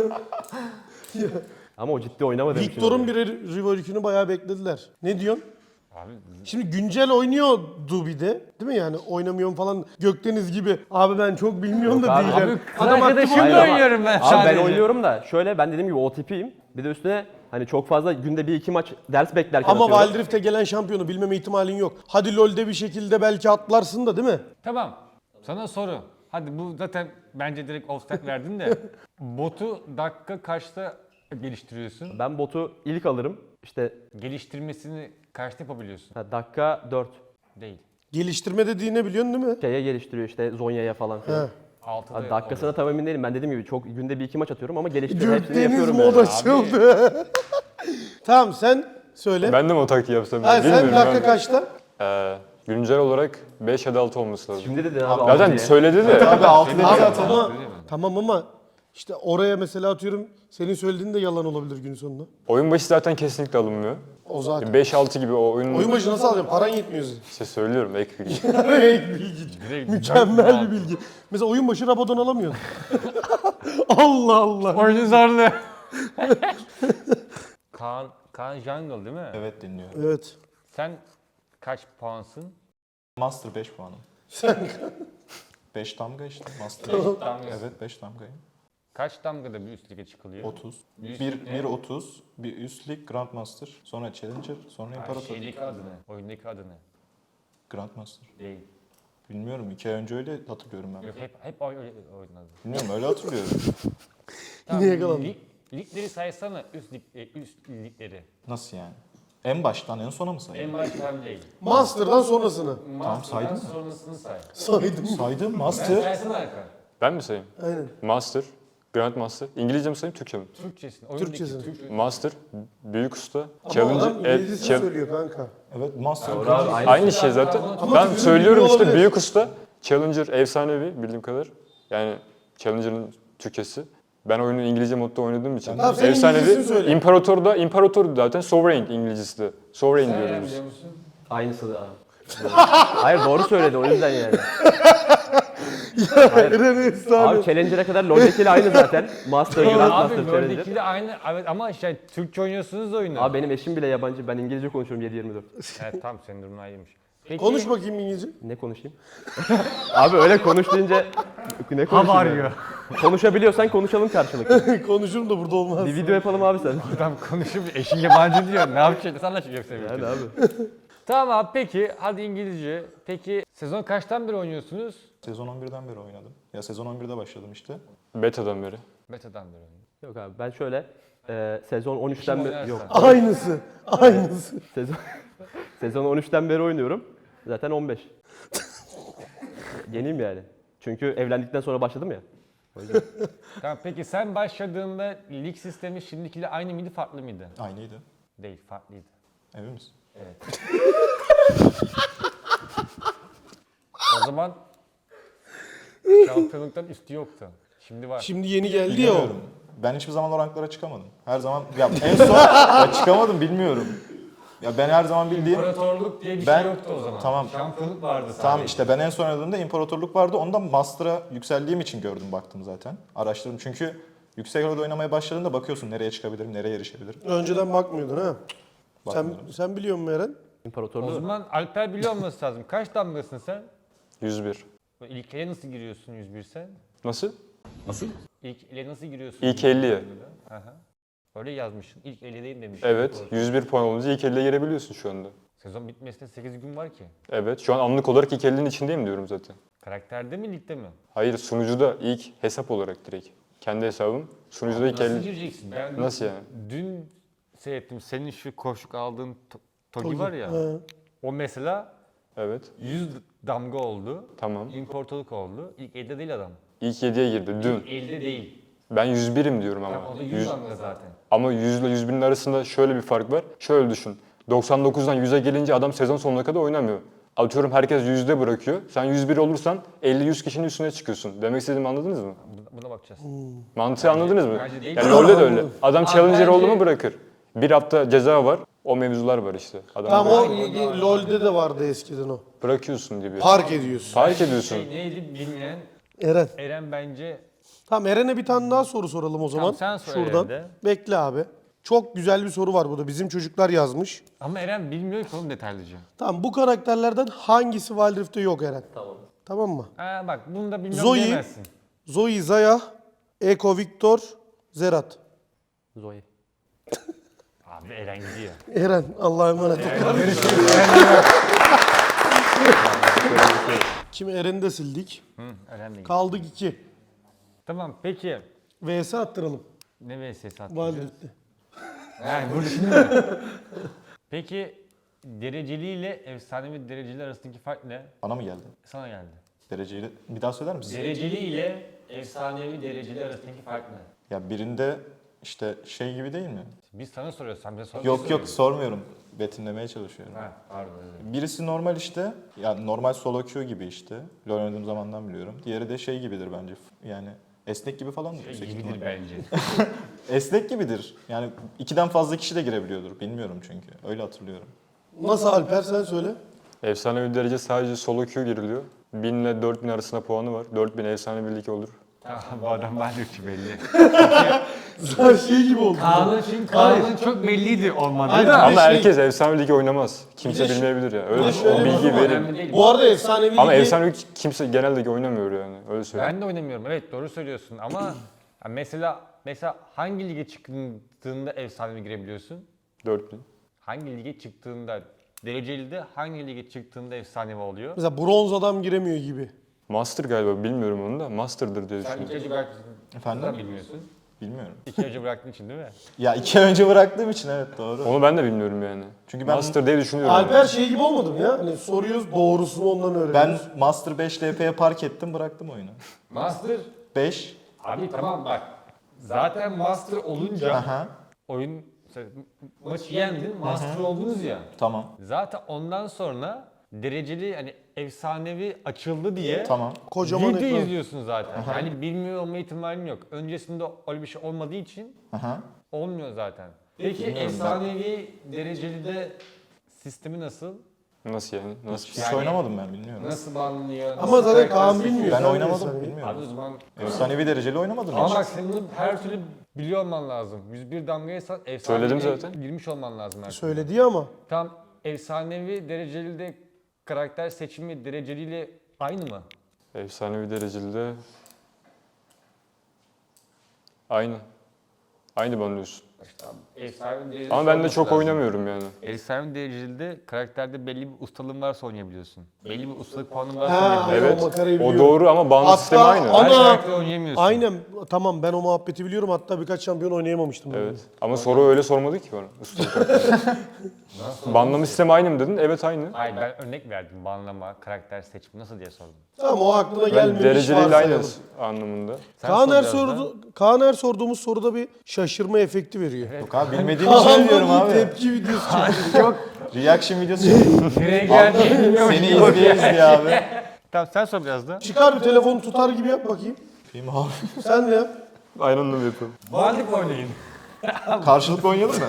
[SPEAKER 4] Ama o ciddi oynamadığı için.
[SPEAKER 1] Victor'un
[SPEAKER 4] oluyor.
[SPEAKER 1] bir rework'ünü bayağı beklediler. Ne diyorsun?
[SPEAKER 2] Abi
[SPEAKER 1] Şimdi güncel oynuyordu bir de. Değil mi yani oynamıyorum falan Gökdeniz gibi. Abi ben çok bilmiyorum da
[SPEAKER 4] abi,
[SPEAKER 1] diyeceğim.
[SPEAKER 2] kız
[SPEAKER 1] Adam aktif
[SPEAKER 2] arkadaşımla
[SPEAKER 1] oynuyor.
[SPEAKER 4] Hayır ama-
[SPEAKER 2] oynuyorum ben
[SPEAKER 4] Abi
[SPEAKER 2] sadece.
[SPEAKER 4] ben oynuyorum da şöyle ben dediğim gibi OTP'yim. Bir de üstüne hani çok fazla günde 1-2 maç ders beklerken
[SPEAKER 1] Ama
[SPEAKER 4] atıyorum.
[SPEAKER 1] Wild Rift'e gelen şampiyonu bilmeme ihtimalin yok. Hadi LoL'de bir şekilde belki atlarsın da değil mi?
[SPEAKER 2] Tamam. Sana soru. Hadi bu zaten bence direkt offset verdin de. Botu dakika kaçta geliştiriyorsun?
[SPEAKER 4] Ben botu ilk alırım. İşte
[SPEAKER 2] Geliştirmesini kaçta yapabiliyorsun?
[SPEAKER 4] dakika 4
[SPEAKER 2] Değil.
[SPEAKER 1] Geliştirme dediği ne biliyorsun değil mi?
[SPEAKER 4] şeye geliştiriyor işte Zonya'ya falan filan.
[SPEAKER 1] He.
[SPEAKER 2] 6'da
[SPEAKER 4] Abi dakikasına tam emin değilim. Ben dediğim gibi çok günde 1-2 maç atıyorum ama geliştiriyor. Hepsini
[SPEAKER 1] Gökdeniz
[SPEAKER 4] yapıyorum
[SPEAKER 1] mod
[SPEAKER 4] yani.
[SPEAKER 1] açıldı. Tamam sen söyle.
[SPEAKER 6] Ben de mi o taktiği yapsam?
[SPEAKER 1] Ha, sen
[SPEAKER 6] Bilmiyorum
[SPEAKER 1] dakika
[SPEAKER 6] ben.
[SPEAKER 1] kaçta?
[SPEAKER 6] Güncel olarak 5 ya da 6 olması lazım.
[SPEAKER 4] Şimdi dedin abi.
[SPEAKER 6] Zaten
[SPEAKER 4] diye.
[SPEAKER 6] söyledi de.
[SPEAKER 1] Abi
[SPEAKER 2] Tamam.
[SPEAKER 1] ama, tamam ama işte oraya mesela atıyorum senin söylediğin de yalan olabilir gün sonunda.
[SPEAKER 6] Oyun başı zaten kesinlikle alınmıyor.
[SPEAKER 1] O zaten.
[SPEAKER 6] 5-6 gibi o oyunun...
[SPEAKER 1] Oyun başı nasıl alacaksın? Paran yetmiyor senin.
[SPEAKER 6] İşte söylüyorum ek bilgi.
[SPEAKER 1] Ek bilgi.
[SPEAKER 2] Direkt
[SPEAKER 1] Mükemmel bir bilgi. Mesela oyun başı Rabadon alamıyorsun. Allah Allah.
[SPEAKER 2] Oyunun zorlu. Kaan Jungle değil mi?
[SPEAKER 3] Evet dinliyorum.
[SPEAKER 1] Evet.
[SPEAKER 2] Sen kaç puansın?
[SPEAKER 3] Master 5 puanım. 5 damga işte Master.
[SPEAKER 2] Damga.
[SPEAKER 3] Evet 5 damgayım.
[SPEAKER 2] Kaç damgada bir üst lige çıkılıyor?
[SPEAKER 3] 30.
[SPEAKER 2] Üst
[SPEAKER 3] Bir
[SPEAKER 2] lig ne?
[SPEAKER 3] 30, bir üst lig Grandmaster, sonra Challenger, sonra İmparator.
[SPEAKER 2] Şeydeki adı ne? Oyundaki adı ne?
[SPEAKER 3] Grandmaster.
[SPEAKER 2] Değil.
[SPEAKER 3] Bilmiyorum 2 ay önce öyle hatırlıyorum ben.
[SPEAKER 2] Yok hep oynadı.
[SPEAKER 3] Bilmiyorum öyle hatırlıyorum.
[SPEAKER 1] Yine yakalandım.
[SPEAKER 2] Ligleri saysana üst ligleri.
[SPEAKER 3] Nasıl yani? En baştan en sona mı sayayım?
[SPEAKER 2] En baştan değil.
[SPEAKER 1] Master'dan sonrasını.
[SPEAKER 3] Tamam saydım mı?
[SPEAKER 2] Sonrasını say.
[SPEAKER 1] Saydım.
[SPEAKER 3] Saydım.
[SPEAKER 2] Ben
[SPEAKER 3] Master.
[SPEAKER 2] saysana Erkan.
[SPEAKER 6] Ben mi sayayım?
[SPEAKER 1] Aynen.
[SPEAKER 6] Master, Grandmaster. İngilizce mi sayayım, Türkçe mi?
[SPEAKER 2] Türkçesini. Oyundaki
[SPEAKER 1] Türkçesini.
[SPEAKER 2] Türkçe.
[SPEAKER 6] Master, büyük usta,
[SPEAKER 1] Ama
[SPEAKER 6] Challenger,
[SPEAKER 1] adam İngilizcesini söylüyor kanka.
[SPEAKER 3] Evet Master.
[SPEAKER 6] Aynı şey zaten.
[SPEAKER 1] Ama
[SPEAKER 6] Ben
[SPEAKER 1] Türkçe
[SPEAKER 6] söylüyorum
[SPEAKER 1] biliyor
[SPEAKER 6] işte
[SPEAKER 1] olabilir.
[SPEAKER 6] büyük usta, Challenger efsanevi bildiğim kadar. Yani Challenger'ın Türkçesi. Ben oyunu İngilizce modda oynadığım için.
[SPEAKER 1] Tamam, sen İngilizcesini söyle.
[SPEAKER 6] İmparator zaten Sovereign İngilizcesi de. Sovereign diyoruz biz.
[SPEAKER 2] Biliyor musun?
[SPEAKER 4] Aynısı da. Hayır doğru söyledi o yüzden yani.
[SPEAKER 1] Eren efsane.
[SPEAKER 4] Abi Challenger'a kadar LoL'dekiyle aynı zaten. Master,
[SPEAKER 2] Abi
[SPEAKER 4] Grandmaster, Challenger.
[SPEAKER 2] World'deki de aynı. Evet ama işte Türkçe oynuyorsunuz da oyunu.
[SPEAKER 4] Abi benim eşim bile yabancı. Ben İngilizce konuşuyorum 7/24.
[SPEAKER 2] Evet tamam senin durumun ayrıymış. Peki,
[SPEAKER 1] Konuş bakayım İngilizce.
[SPEAKER 4] Ne konuşayım? Abi öyle konuş deyince ne konuşayım? ya? Konuşabiliyorsan konuşalım karşılıklı.
[SPEAKER 1] Konuşurum da burada olmaz.
[SPEAKER 4] Bir video yapalım abi sen.
[SPEAKER 2] Adam konuşup eşin yabancı diyor. Ne yapacak? Nasıl anlaşacak
[SPEAKER 4] Yani
[SPEAKER 2] senin?
[SPEAKER 4] abi.
[SPEAKER 2] Tamam abi peki hadi İngilizce. Peki sezon kaçtan beri oynuyorsunuz?
[SPEAKER 3] Sezon 11'den beri oynadım. Ya sezon 11'de başladım işte.
[SPEAKER 6] Beta'dan beri.
[SPEAKER 2] Beta'dan beri oynuyorum.
[SPEAKER 4] Yok abi ben şöyle sezon 13'ten
[SPEAKER 2] Kim
[SPEAKER 4] beri
[SPEAKER 2] oynarsa.
[SPEAKER 4] yok.
[SPEAKER 1] Aynısı. Aynısı.
[SPEAKER 4] Sezon 13'ten beri oynuyorum. Zaten 15. Yeniyim yani. Çünkü evlendikten sonra başladım ya. O yüzden.
[SPEAKER 2] Tamam peki sen başladığında lig sistemi şimdikiyle aynı mıydı farklı mıydı?
[SPEAKER 3] Aynıydı.
[SPEAKER 2] Değil farklıydı.
[SPEAKER 3] Emin misin?
[SPEAKER 2] O zaman şampiyonluktan üstü yoktu. Şimdi var.
[SPEAKER 1] Şimdi yeni geldi ya o.
[SPEAKER 3] Bilmiyorum. Ben hiçbir zaman o ranklara çıkamadım. Her zaman ya en son ya çıkamadım bilmiyorum. Ya ben her zaman bildiğim
[SPEAKER 2] İmparatorluk diye bir
[SPEAKER 3] Ben-
[SPEAKER 2] şey yoktu o zaman.
[SPEAKER 3] tamam.
[SPEAKER 2] Şampiyonluk vardı sadece.
[SPEAKER 3] tamam işte ben en son oynadığımda imparatorluk vardı. Ondan master'a yükseldiğim için gördüm baktım zaten. Araştırdım çünkü yüksek orada oynamaya başladığında bakıyorsun nereye çıkabilirim, nereye erişebilirim.
[SPEAKER 1] Önceden bakmıyordun ha.
[SPEAKER 3] Bakmıyorum.
[SPEAKER 1] Sen biliyor musun Eren?
[SPEAKER 2] O
[SPEAKER 4] İmparatorluğu.
[SPEAKER 2] zaman Alper biliyor olması lazım. Kaç damgasın sen?
[SPEAKER 6] 101.
[SPEAKER 2] İlk ele nasıl giriyorsun 101 sen?
[SPEAKER 6] Nasıl?
[SPEAKER 2] İlk ele nasıl giriyorsun?
[SPEAKER 6] İlk 50'ye.
[SPEAKER 2] Aha. Öyle yazmışsın. İlk 50'deyim demiş.
[SPEAKER 6] Evet, 101 puan olunca ilk 50'ye girebiliyorsun şu anda.
[SPEAKER 2] Sezon bitmesine 8 gün var ki.
[SPEAKER 6] Evet, şu an anlık olarak ilk 50'nin içindeyim diyorum zaten.
[SPEAKER 2] Karakterde mi ligde mi?
[SPEAKER 6] Hayır, sunucuda ilk hesap olarak direkt. Kendi hesabım. Sunucuda ilk
[SPEAKER 2] Nasıl
[SPEAKER 6] 50.
[SPEAKER 2] gireceksin? Ben
[SPEAKER 6] Nasıl yani?
[SPEAKER 2] Dün seyrettim. Senin şu koşuk aldığın Togi var ya.
[SPEAKER 1] He.
[SPEAKER 2] O mesela
[SPEAKER 6] Evet,
[SPEAKER 2] 100 damga oldu.
[SPEAKER 6] tamam.
[SPEAKER 2] İmparatorluk oldu. İlk elde değil adam.
[SPEAKER 6] İlk 7'ye girdi dün.
[SPEAKER 2] Elde değil.
[SPEAKER 6] Ben 101'im diyorum ama.
[SPEAKER 2] O da 100
[SPEAKER 6] Yüz-
[SPEAKER 2] damga zaten.
[SPEAKER 6] Ama 100 ile 101'in arasında şöyle bir fark var. Şöyle düşün. 99'dan 100'e gelince adam sezon sonuna kadar oynamıyor. Atıyorum herkes 100'de bırakıyor. Sen 101 olursan 50-100 kişinin üstüne çıkıyorsun. Demek istediğimi anladınız mı?
[SPEAKER 2] Buna bakacağız.
[SPEAKER 6] Mantığı anladınız mı?
[SPEAKER 2] bence değil.
[SPEAKER 6] Yani LoL'de de öyle. Adam
[SPEAKER 2] Abi
[SPEAKER 6] challenger
[SPEAKER 2] bence-
[SPEAKER 6] oldu mu bırakır. Bir hafta ceza var. O mevzular var işte. Adam
[SPEAKER 1] Tamam o
[SPEAKER 6] bırakıyor.
[SPEAKER 1] LoL'de de vardı eskiden o.
[SPEAKER 6] Bırakıyorsun gibi.
[SPEAKER 1] Park ediyorsun.
[SPEAKER 6] Fark ediyorsun.
[SPEAKER 2] Neydi bilmeyen
[SPEAKER 1] Eren.
[SPEAKER 2] Eren bence
[SPEAKER 1] Tamam Eren'e bir tane daha soru soralım o zaman.
[SPEAKER 2] sen sor
[SPEAKER 1] Şuradan.
[SPEAKER 2] Eren'de.
[SPEAKER 1] Bekle abi. Çok güzel bir soru var burada. Bizim çocuklar yazmış.
[SPEAKER 2] ama Eren bilmiyor ki oğlum detaylıca.
[SPEAKER 1] Tamam bu karakterlerden hangisi Wild Rift'te yok Eren?
[SPEAKER 4] Tamam.
[SPEAKER 1] Tamam mı?
[SPEAKER 2] Ha bak bunu da bilmiyorum
[SPEAKER 1] Zoe,
[SPEAKER 2] diyemezsin.
[SPEAKER 1] Zoe, Zaya, Eko, Victor, Zerat.
[SPEAKER 4] Zoe.
[SPEAKER 2] Abi Eren gidiyor.
[SPEAKER 1] Eren Allah'a emanet ol. Kimi Eren'i de sildik.
[SPEAKER 2] Hı, Eren de gidiyor.
[SPEAKER 1] Kaldık 2.
[SPEAKER 2] Tamam peki.
[SPEAKER 1] VS attıralım.
[SPEAKER 2] Ne VS'si
[SPEAKER 1] Wild
[SPEAKER 2] attın?
[SPEAKER 1] Rift'te.
[SPEAKER 2] Yani burada şimdi mi? Peki dereceli ile efsanevi dereceli arasındaki fark ne?
[SPEAKER 3] Bana mı geldi?
[SPEAKER 2] Sana geldi.
[SPEAKER 3] Dereceyi bir daha söyler misin?
[SPEAKER 2] Dereceli ile efsanevi dereceli arasındaki fark ne?
[SPEAKER 3] Ya birinde işte şey gibi değil mi?
[SPEAKER 2] Biz sana soruyoruz. Sen bize sor.
[SPEAKER 3] Yok sormuyorum. Betimlemeye çalışıyorum.
[SPEAKER 2] Ha, pardon. Evet.
[SPEAKER 3] Birisi normal işte. Yani normal solo queue gibi işte. LoL oynadığım zamandan biliyorum. Diğeri de şey gibidir bence. Yani esnek gibi falan mı? yüksek
[SPEAKER 2] Gibidir
[SPEAKER 3] ihtimalle?
[SPEAKER 2] bence.
[SPEAKER 3] Esnek gibidir. Yani 2'den fazla kişi de girebiliyordur. Bilmiyorum çünkü. Öyle hatırlıyorum.
[SPEAKER 1] Nasıl Alper sen söyle.
[SPEAKER 6] Efsanevi derece sadece solo queue giriliyor. 1000 ile 4000 arasında puanı var. 4000 efsane birlik olur.
[SPEAKER 2] Tamam bu adam ben ki belli.
[SPEAKER 1] Sen şey gibi oldu.
[SPEAKER 2] Kaan'ın çok belliydi olmadı
[SPEAKER 1] Aynen.
[SPEAKER 2] da.
[SPEAKER 6] Ama
[SPEAKER 1] şey-
[SPEAKER 6] herkes efsane ligi oynamaz. Kimse
[SPEAKER 1] Bir de-
[SPEAKER 6] bilmeyebilir ya.
[SPEAKER 1] bir
[SPEAKER 6] Öyle
[SPEAKER 1] de
[SPEAKER 6] o
[SPEAKER 1] şöyle bir
[SPEAKER 6] bilgi
[SPEAKER 1] durum var.
[SPEAKER 6] verin.
[SPEAKER 2] Önemli değil.
[SPEAKER 1] Bu arada efsanevi
[SPEAKER 6] Ama
[SPEAKER 1] ligi-
[SPEAKER 6] efsane lig kimse genel ligi oynamıyor yani. Öyle söyleyeyim.
[SPEAKER 2] Ben de oynamıyorum. Evet doğru söylüyorsun ama ya mesela hangi lige çıktığında efsanevi girebiliyorsun?
[SPEAKER 6] 4000.
[SPEAKER 2] Hangi lige çıktığında dereceli de hangi lige çıktığında efsanevi oluyor?
[SPEAKER 1] Mesela bronz adam giremiyor gibi.
[SPEAKER 6] Master galiba bilmiyorum onu da. Master'dır diye
[SPEAKER 2] Sen
[SPEAKER 6] düşünüyorum.
[SPEAKER 2] ilk belki
[SPEAKER 3] Efendim?
[SPEAKER 2] bilmiyorsun.
[SPEAKER 3] Bilmiyorum.
[SPEAKER 2] 2 önce bıraktığın için değil mi?
[SPEAKER 3] Ya 2 ay önce bıraktığım için evet doğru.
[SPEAKER 6] Onu ben de bilmiyorum yani.
[SPEAKER 3] Çünkü ben
[SPEAKER 6] Master diye düşünüyorum.
[SPEAKER 1] Alper şey gibi olmadı mı ya? Hani soruyoruz doğrusunu ondan
[SPEAKER 3] ben
[SPEAKER 1] öğreniyoruz.
[SPEAKER 3] Master 5 LP'ye park ettim bıraktım oyunu.
[SPEAKER 2] Master.
[SPEAKER 3] 5.
[SPEAKER 2] Abi tamam bak. Zaten Master olunca
[SPEAKER 3] Aha.
[SPEAKER 2] oyun mesela maçı yendin, Master oldunuz ya.
[SPEAKER 3] Tamam.
[SPEAKER 2] Zaten ondan sonra dereceli hani efsanevi açıldı diye
[SPEAKER 3] Tamam.
[SPEAKER 1] Kocaman
[SPEAKER 2] video
[SPEAKER 1] ekran.
[SPEAKER 2] izliyorsun zaten. Yani bilmiyor olma ihtimalin yok. Öncesinde öyle bir şey olmadığı için
[SPEAKER 3] Aha.
[SPEAKER 2] olmuyor zaten. Peki efsanevi dereceli de sistemi nasıl?
[SPEAKER 6] Nasıl yani? Nasıl?
[SPEAKER 3] Hiç oynamadım ben bilmiyorum.
[SPEAKER 2] Nasıl banlıyor?
[SPEAKER 1] Ama zaten Kaan bilmiyor.
[SPEAKER 3] Ben
[SPEAKER 1] Sen
[SPEAKER 3] oynamadım
[SPEAKER 1] bilirsen.
[SPEAKER 3] bilmiyorum.
[SPEAKER 2] Abi o zaman
[SPEAKER 3] Efsanevi dereceli oynamadım
[SPEAKER 2] ama
[SPEAKER 3] hiç.
[SPEAKER 2] bak senin bunu her türlü biliyor olman lazım. 101 damgaysa efsanevi
[SPEAKER 6] Söyledim zaten.
[SPEAKER 2] girmiş olman lazım her türlü.
[SPEAKER 1] Söyledi ya ama.
[SPEAKER 2] Tam efsanevi dereceli de karakter seçimi dereceliyle aynı mı?
[SPEAKER 6] Efsanevi dereceli de aynı. Aynı bana diyorsun.
[SPEAKER 2] İşte abi, efsanevi dereceli
[SPEAKER 6] Ama ben de
[SPEAKER 2] olması
[SPEAKER 6] çok
[SPEAKER 2] lazım.
[SPEAKER 6] oynamıyorum yani.
[SPEAKER 2] Efsanevi dereceli de karakterde belli bir ustalığın varsa oynayabiliyorsun. Belli bir ustalık puanın varsa
[SPEAKER 1] Ha,
[SPEAKER 2] oynayabiliyorsun.
[SPEAKER 6] Evet.
[SPEAKER 1] o makarayı
[SPEAKER 6] O
[SPEAKER 1] biliyorum.
[SPEAKER 6] doğru ama bağımlı
[SPEAKER 1] Hatta
[SPEAKER 6] sistemi aynı.
[SPEAKER 1] ana-
[SPEAKER 2] Her karakter oynayamıyorsun.
[SPEAKER 1] Aynen tamam ben o muhabbeti biliyorum hatta birkaç şampiyon oynayamamıştım. ben.
[SPEAKER 6] Evet. Ama soru öyle sormadı ki bana. Ustalık hakkında. Banlama sistemi aynı mı dedin? Evet aynı.
[SPEAKER 2] Hayır ben örnek verdim. Banlama, karakter seçimi nasıl diye sordum.
[SPEAKER 1] Tamam o aklına
[SPEAKER 6] Ben
[SPEAKER 1] gelmemiş
[SPEAKER 6] dereceliyle aynı
[SPEAKER 1] varsayalım.
[SPEAKER 6] anlamında.
[SPEAKER 2] Sen
[SPEAKER 1] Kaan
[SPEAKER 2] sor
[SPEAKER 1] her,
[SPEAKER 2] biraz da.
[SPEAKER 1] Kaan her sorduğumuz soruda bir şaşırma efekti veriyor.
[SPEAKER 3] Yok abi bilmediğim için diyorum
[SPEAKER 1] Kaan'dan bir
[SPEAKER 3] abi.
[SPEAKER 1] tepki videosu çekiyor. Yok.
[SPEAKER 3] Reaction videosu çektim.
[SPEAKER 2] Nereye geldiğini bilmiyorum.
[SPEAKER 3] Seni izleye abi.
[SPEAKER 2] Tamam sen sor biraz da.
[SPEAKER 1] Çıkar bir telefonu tutar gibi yap bakayım.
[SPEAKER 3] Film abi.
[SPEAKER 1] Sen de yap.
[SPEAKER 6] Aynı anda yapıyorum.
[SPEAKER 2] Varlık oynayın.
[SPEAKER 3] Karşılıklı oynayalım mı?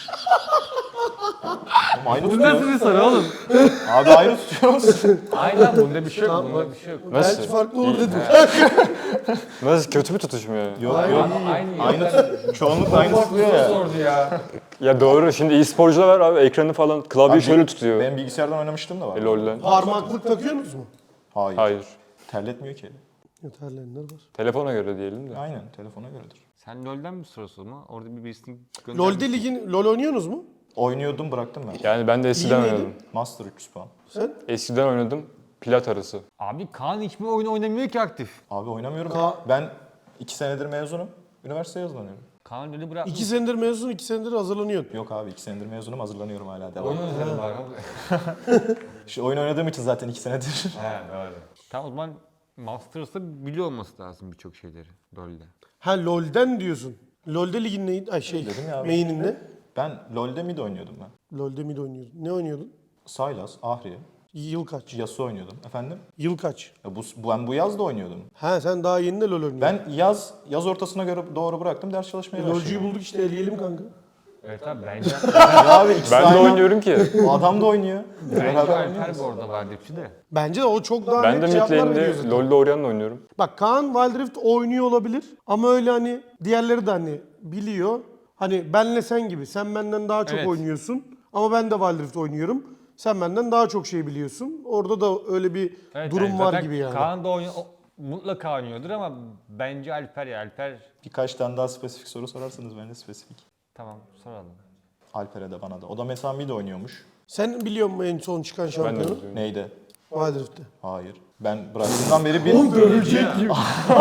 [SPEAKER 3] Oğlum aynı tutuyor.
[SPEAKER 2] bir soru oğlum?
[SPEAKER 3] Abi aynı tutuyoruz.
[SPEAKER 2] Aynen bunda bir şey yok. Bunda bir şey yok.
[SPEAKER 6] Nasıl?
[SPEAKER 1] Belki farklı olur dedim.
[SPEAKER 6] Nasıl? Kötü bir tutuşum yani.
[SPEAKER 3] Yok
[SPEAKER 1] Hayır,
[SPEAKER 3] yok.
[SPEAKER 1] iyi.
[SPEAKER 3] Aynı çoğunlukla aynı tutuyor ya.
[SPEAKER 2] Sordu ya.
[SPEAKER 6] Ya doğru. Şimdi e-sporcular var abi. Ekranı falan, klavyeyi
[SPEAKER 3] Abi,
[SPEAKER 6] şöyle tutuyor.
[SPEAKER 3] Ben bilgisayardan oynamıştım da var.
[SPEAKER 6] LoL'den.
[SPEAKER 1] Parmaklık takıyorsunuz mu?
[SPEAKER 3] Hayır.
[SPEAKER 6] Hayır.
[SPEAKER 3] Terletmiyor ki.
[SPEAKER 1] Yeterlenler var.
[SPEAKER 6] Telefona göre diyelim de.
[SPEAKER 3] Aynen telefona göredir.
[SPEAKER 2] Sen LoL'den mi soruyorsun ama? Orada birisini
[SPEAKER 1] LoL'de ligin LoL oynuyorsunuz mu?
[SPEAKER 3] Oynuyordum bıraktım ben.
[SPEAKER 6] Yani ben de eskiden
[SPEAKER 1] miydin?
[SPEAKER 6] oynadım.
[SPEAKER 3] Master 300 puan.
[SPEAKER 1] Sen?
[SPEAKER 6] Eskiden oynadım. Plat arası.
[SPEAKER 2] Abi Kaan hiçbir oyun oynamıyor ki aktif.
[SPEAKER 3] Abi oynamıyorum. Ben 2 senedir mezunum. Üniversiteye hazırlanıyorum.
[SPEAKER 2] Kaan LoL'ü bırakmış.
[SPEAKER 1] 2 senedir mezun, 2 senedir hazırlanıyorsun.
[SPEAKER 3] Yok abi 2 senedir mezunum hazırlanıyorum hala devam.
[SPEAKER 2] Oyun özledim var.
[SPEAKER 3] İşte oyun oynadığım için zaten 2 senedir.
[SPEAKER 2] He doğru. Tamam o zaman Masters'ta biliyor olması lazım birçok şeyleri LoL'de.
[SPEAKER 1] Ha LoL'den diyorsun. LoL'de ligin neydi? Ay şey,
[SPEAKER 3] Dedim ya abi.
[SPEAKER 1] main'in ne?
[SPEAKER 3] Ben LoL'de mid oynuyordum ben.
[SPEAKER 1] LoL'de mid oynuyordun. Ne oynuyordun?
[SPEAKER 3] Sylas, Ahri,
[SPEAKER 1] Yıl kaç?
[SPEAKER 3] Yasuo oynuyordum. Efendim?
[SPEAKER 1] Yıl kaç?
[SPEAKER 3] Ya ben bu yaz da oynuyordum.
[SPEAKER 1] Ha sen daha yeni de LoL oynuyorsun.
[SPEAKER 3] Ben yaz ortasına göre doğru bıraktım ders çalışmaya
[SPEAKER 1] LoL'cuyu
[SPEAKER 3] başladım.
[SPEAKER 1] bulduk işte eleyelim kanka.
[SPEAKER 2] Evet abi bence,
[SPEAKER 3] Ya abi ikisi
[SPEAKER 6] Ben de
[SPEAKER 3] aynı.
[SPEAKER 6] oynuyorum ki.
[SPEAKER 3] O adam da oynuyor.
[SPEAKER 2] bence
[SPEAKER 3] Beraber
[SPEAKER 2] Alper
[SPEAKER 3] oynuyoruz.
[SPEAKER 2] bu arada var dipçi de.
[SPEAKER 1] Bence de o çok daha
[SPEAKER 6] Ben de
[SPEAKER 1] net
[SPEAKER 6] mid
[SPEAKER 1] cevaplar veriyor
[SPEAKER 6] lane'de
[SPEAKER 1] zaten.
[SPEAKER 6] LoL'de Orion'la oynuyorum.
[SPEAKER 1] Bak Kaan Wild Rift oynuyor olabilir ama öyle hani diğerleri de hani biliyor. Hani benle sen gibi sen benden daha çok
[SPEAKER 2] Evet.
[SPEAKER 1] oynuyorsun ama ben de Wild Rift oynuyorum. Sen benden daha çok şey biliyorsun. Orada da öyle bir
[SPEAKER 2] Evet,
[SPEAKER 1] durum
[SPEAKER 2] yani
[SPEAKER 1] var
[SPEAKER 2] zaten
[SPEAKER 1] gibi yani.
[SPEAKER 2] Kaan da mutlaka oynuyordur ama bence Alper ya Alper.
[SPEAKER 3] Birkaç tane daha spesifik soru sorarsanız ben de spesifik.
[SPEAKER 2] Tamam soralım.
[SPEAKER 3] Alper'e de bana da. O da mesela mid oynuyormuş.
[SPEAKER 1] Sen biliyor musun en son çıkan
[SPEAKER 6] Ben de
[SPEAKER 1] şampiyonu?
[SPEAKER 6] biliyorum.
[SPEAKER 3] Neydi?
[SPEAKER 1] Wild Rift'te.
[SPEAKER 3] Hayır. Ben bıraktığımdan beri bir...
[SPEAKER 1] Dövecek gibi.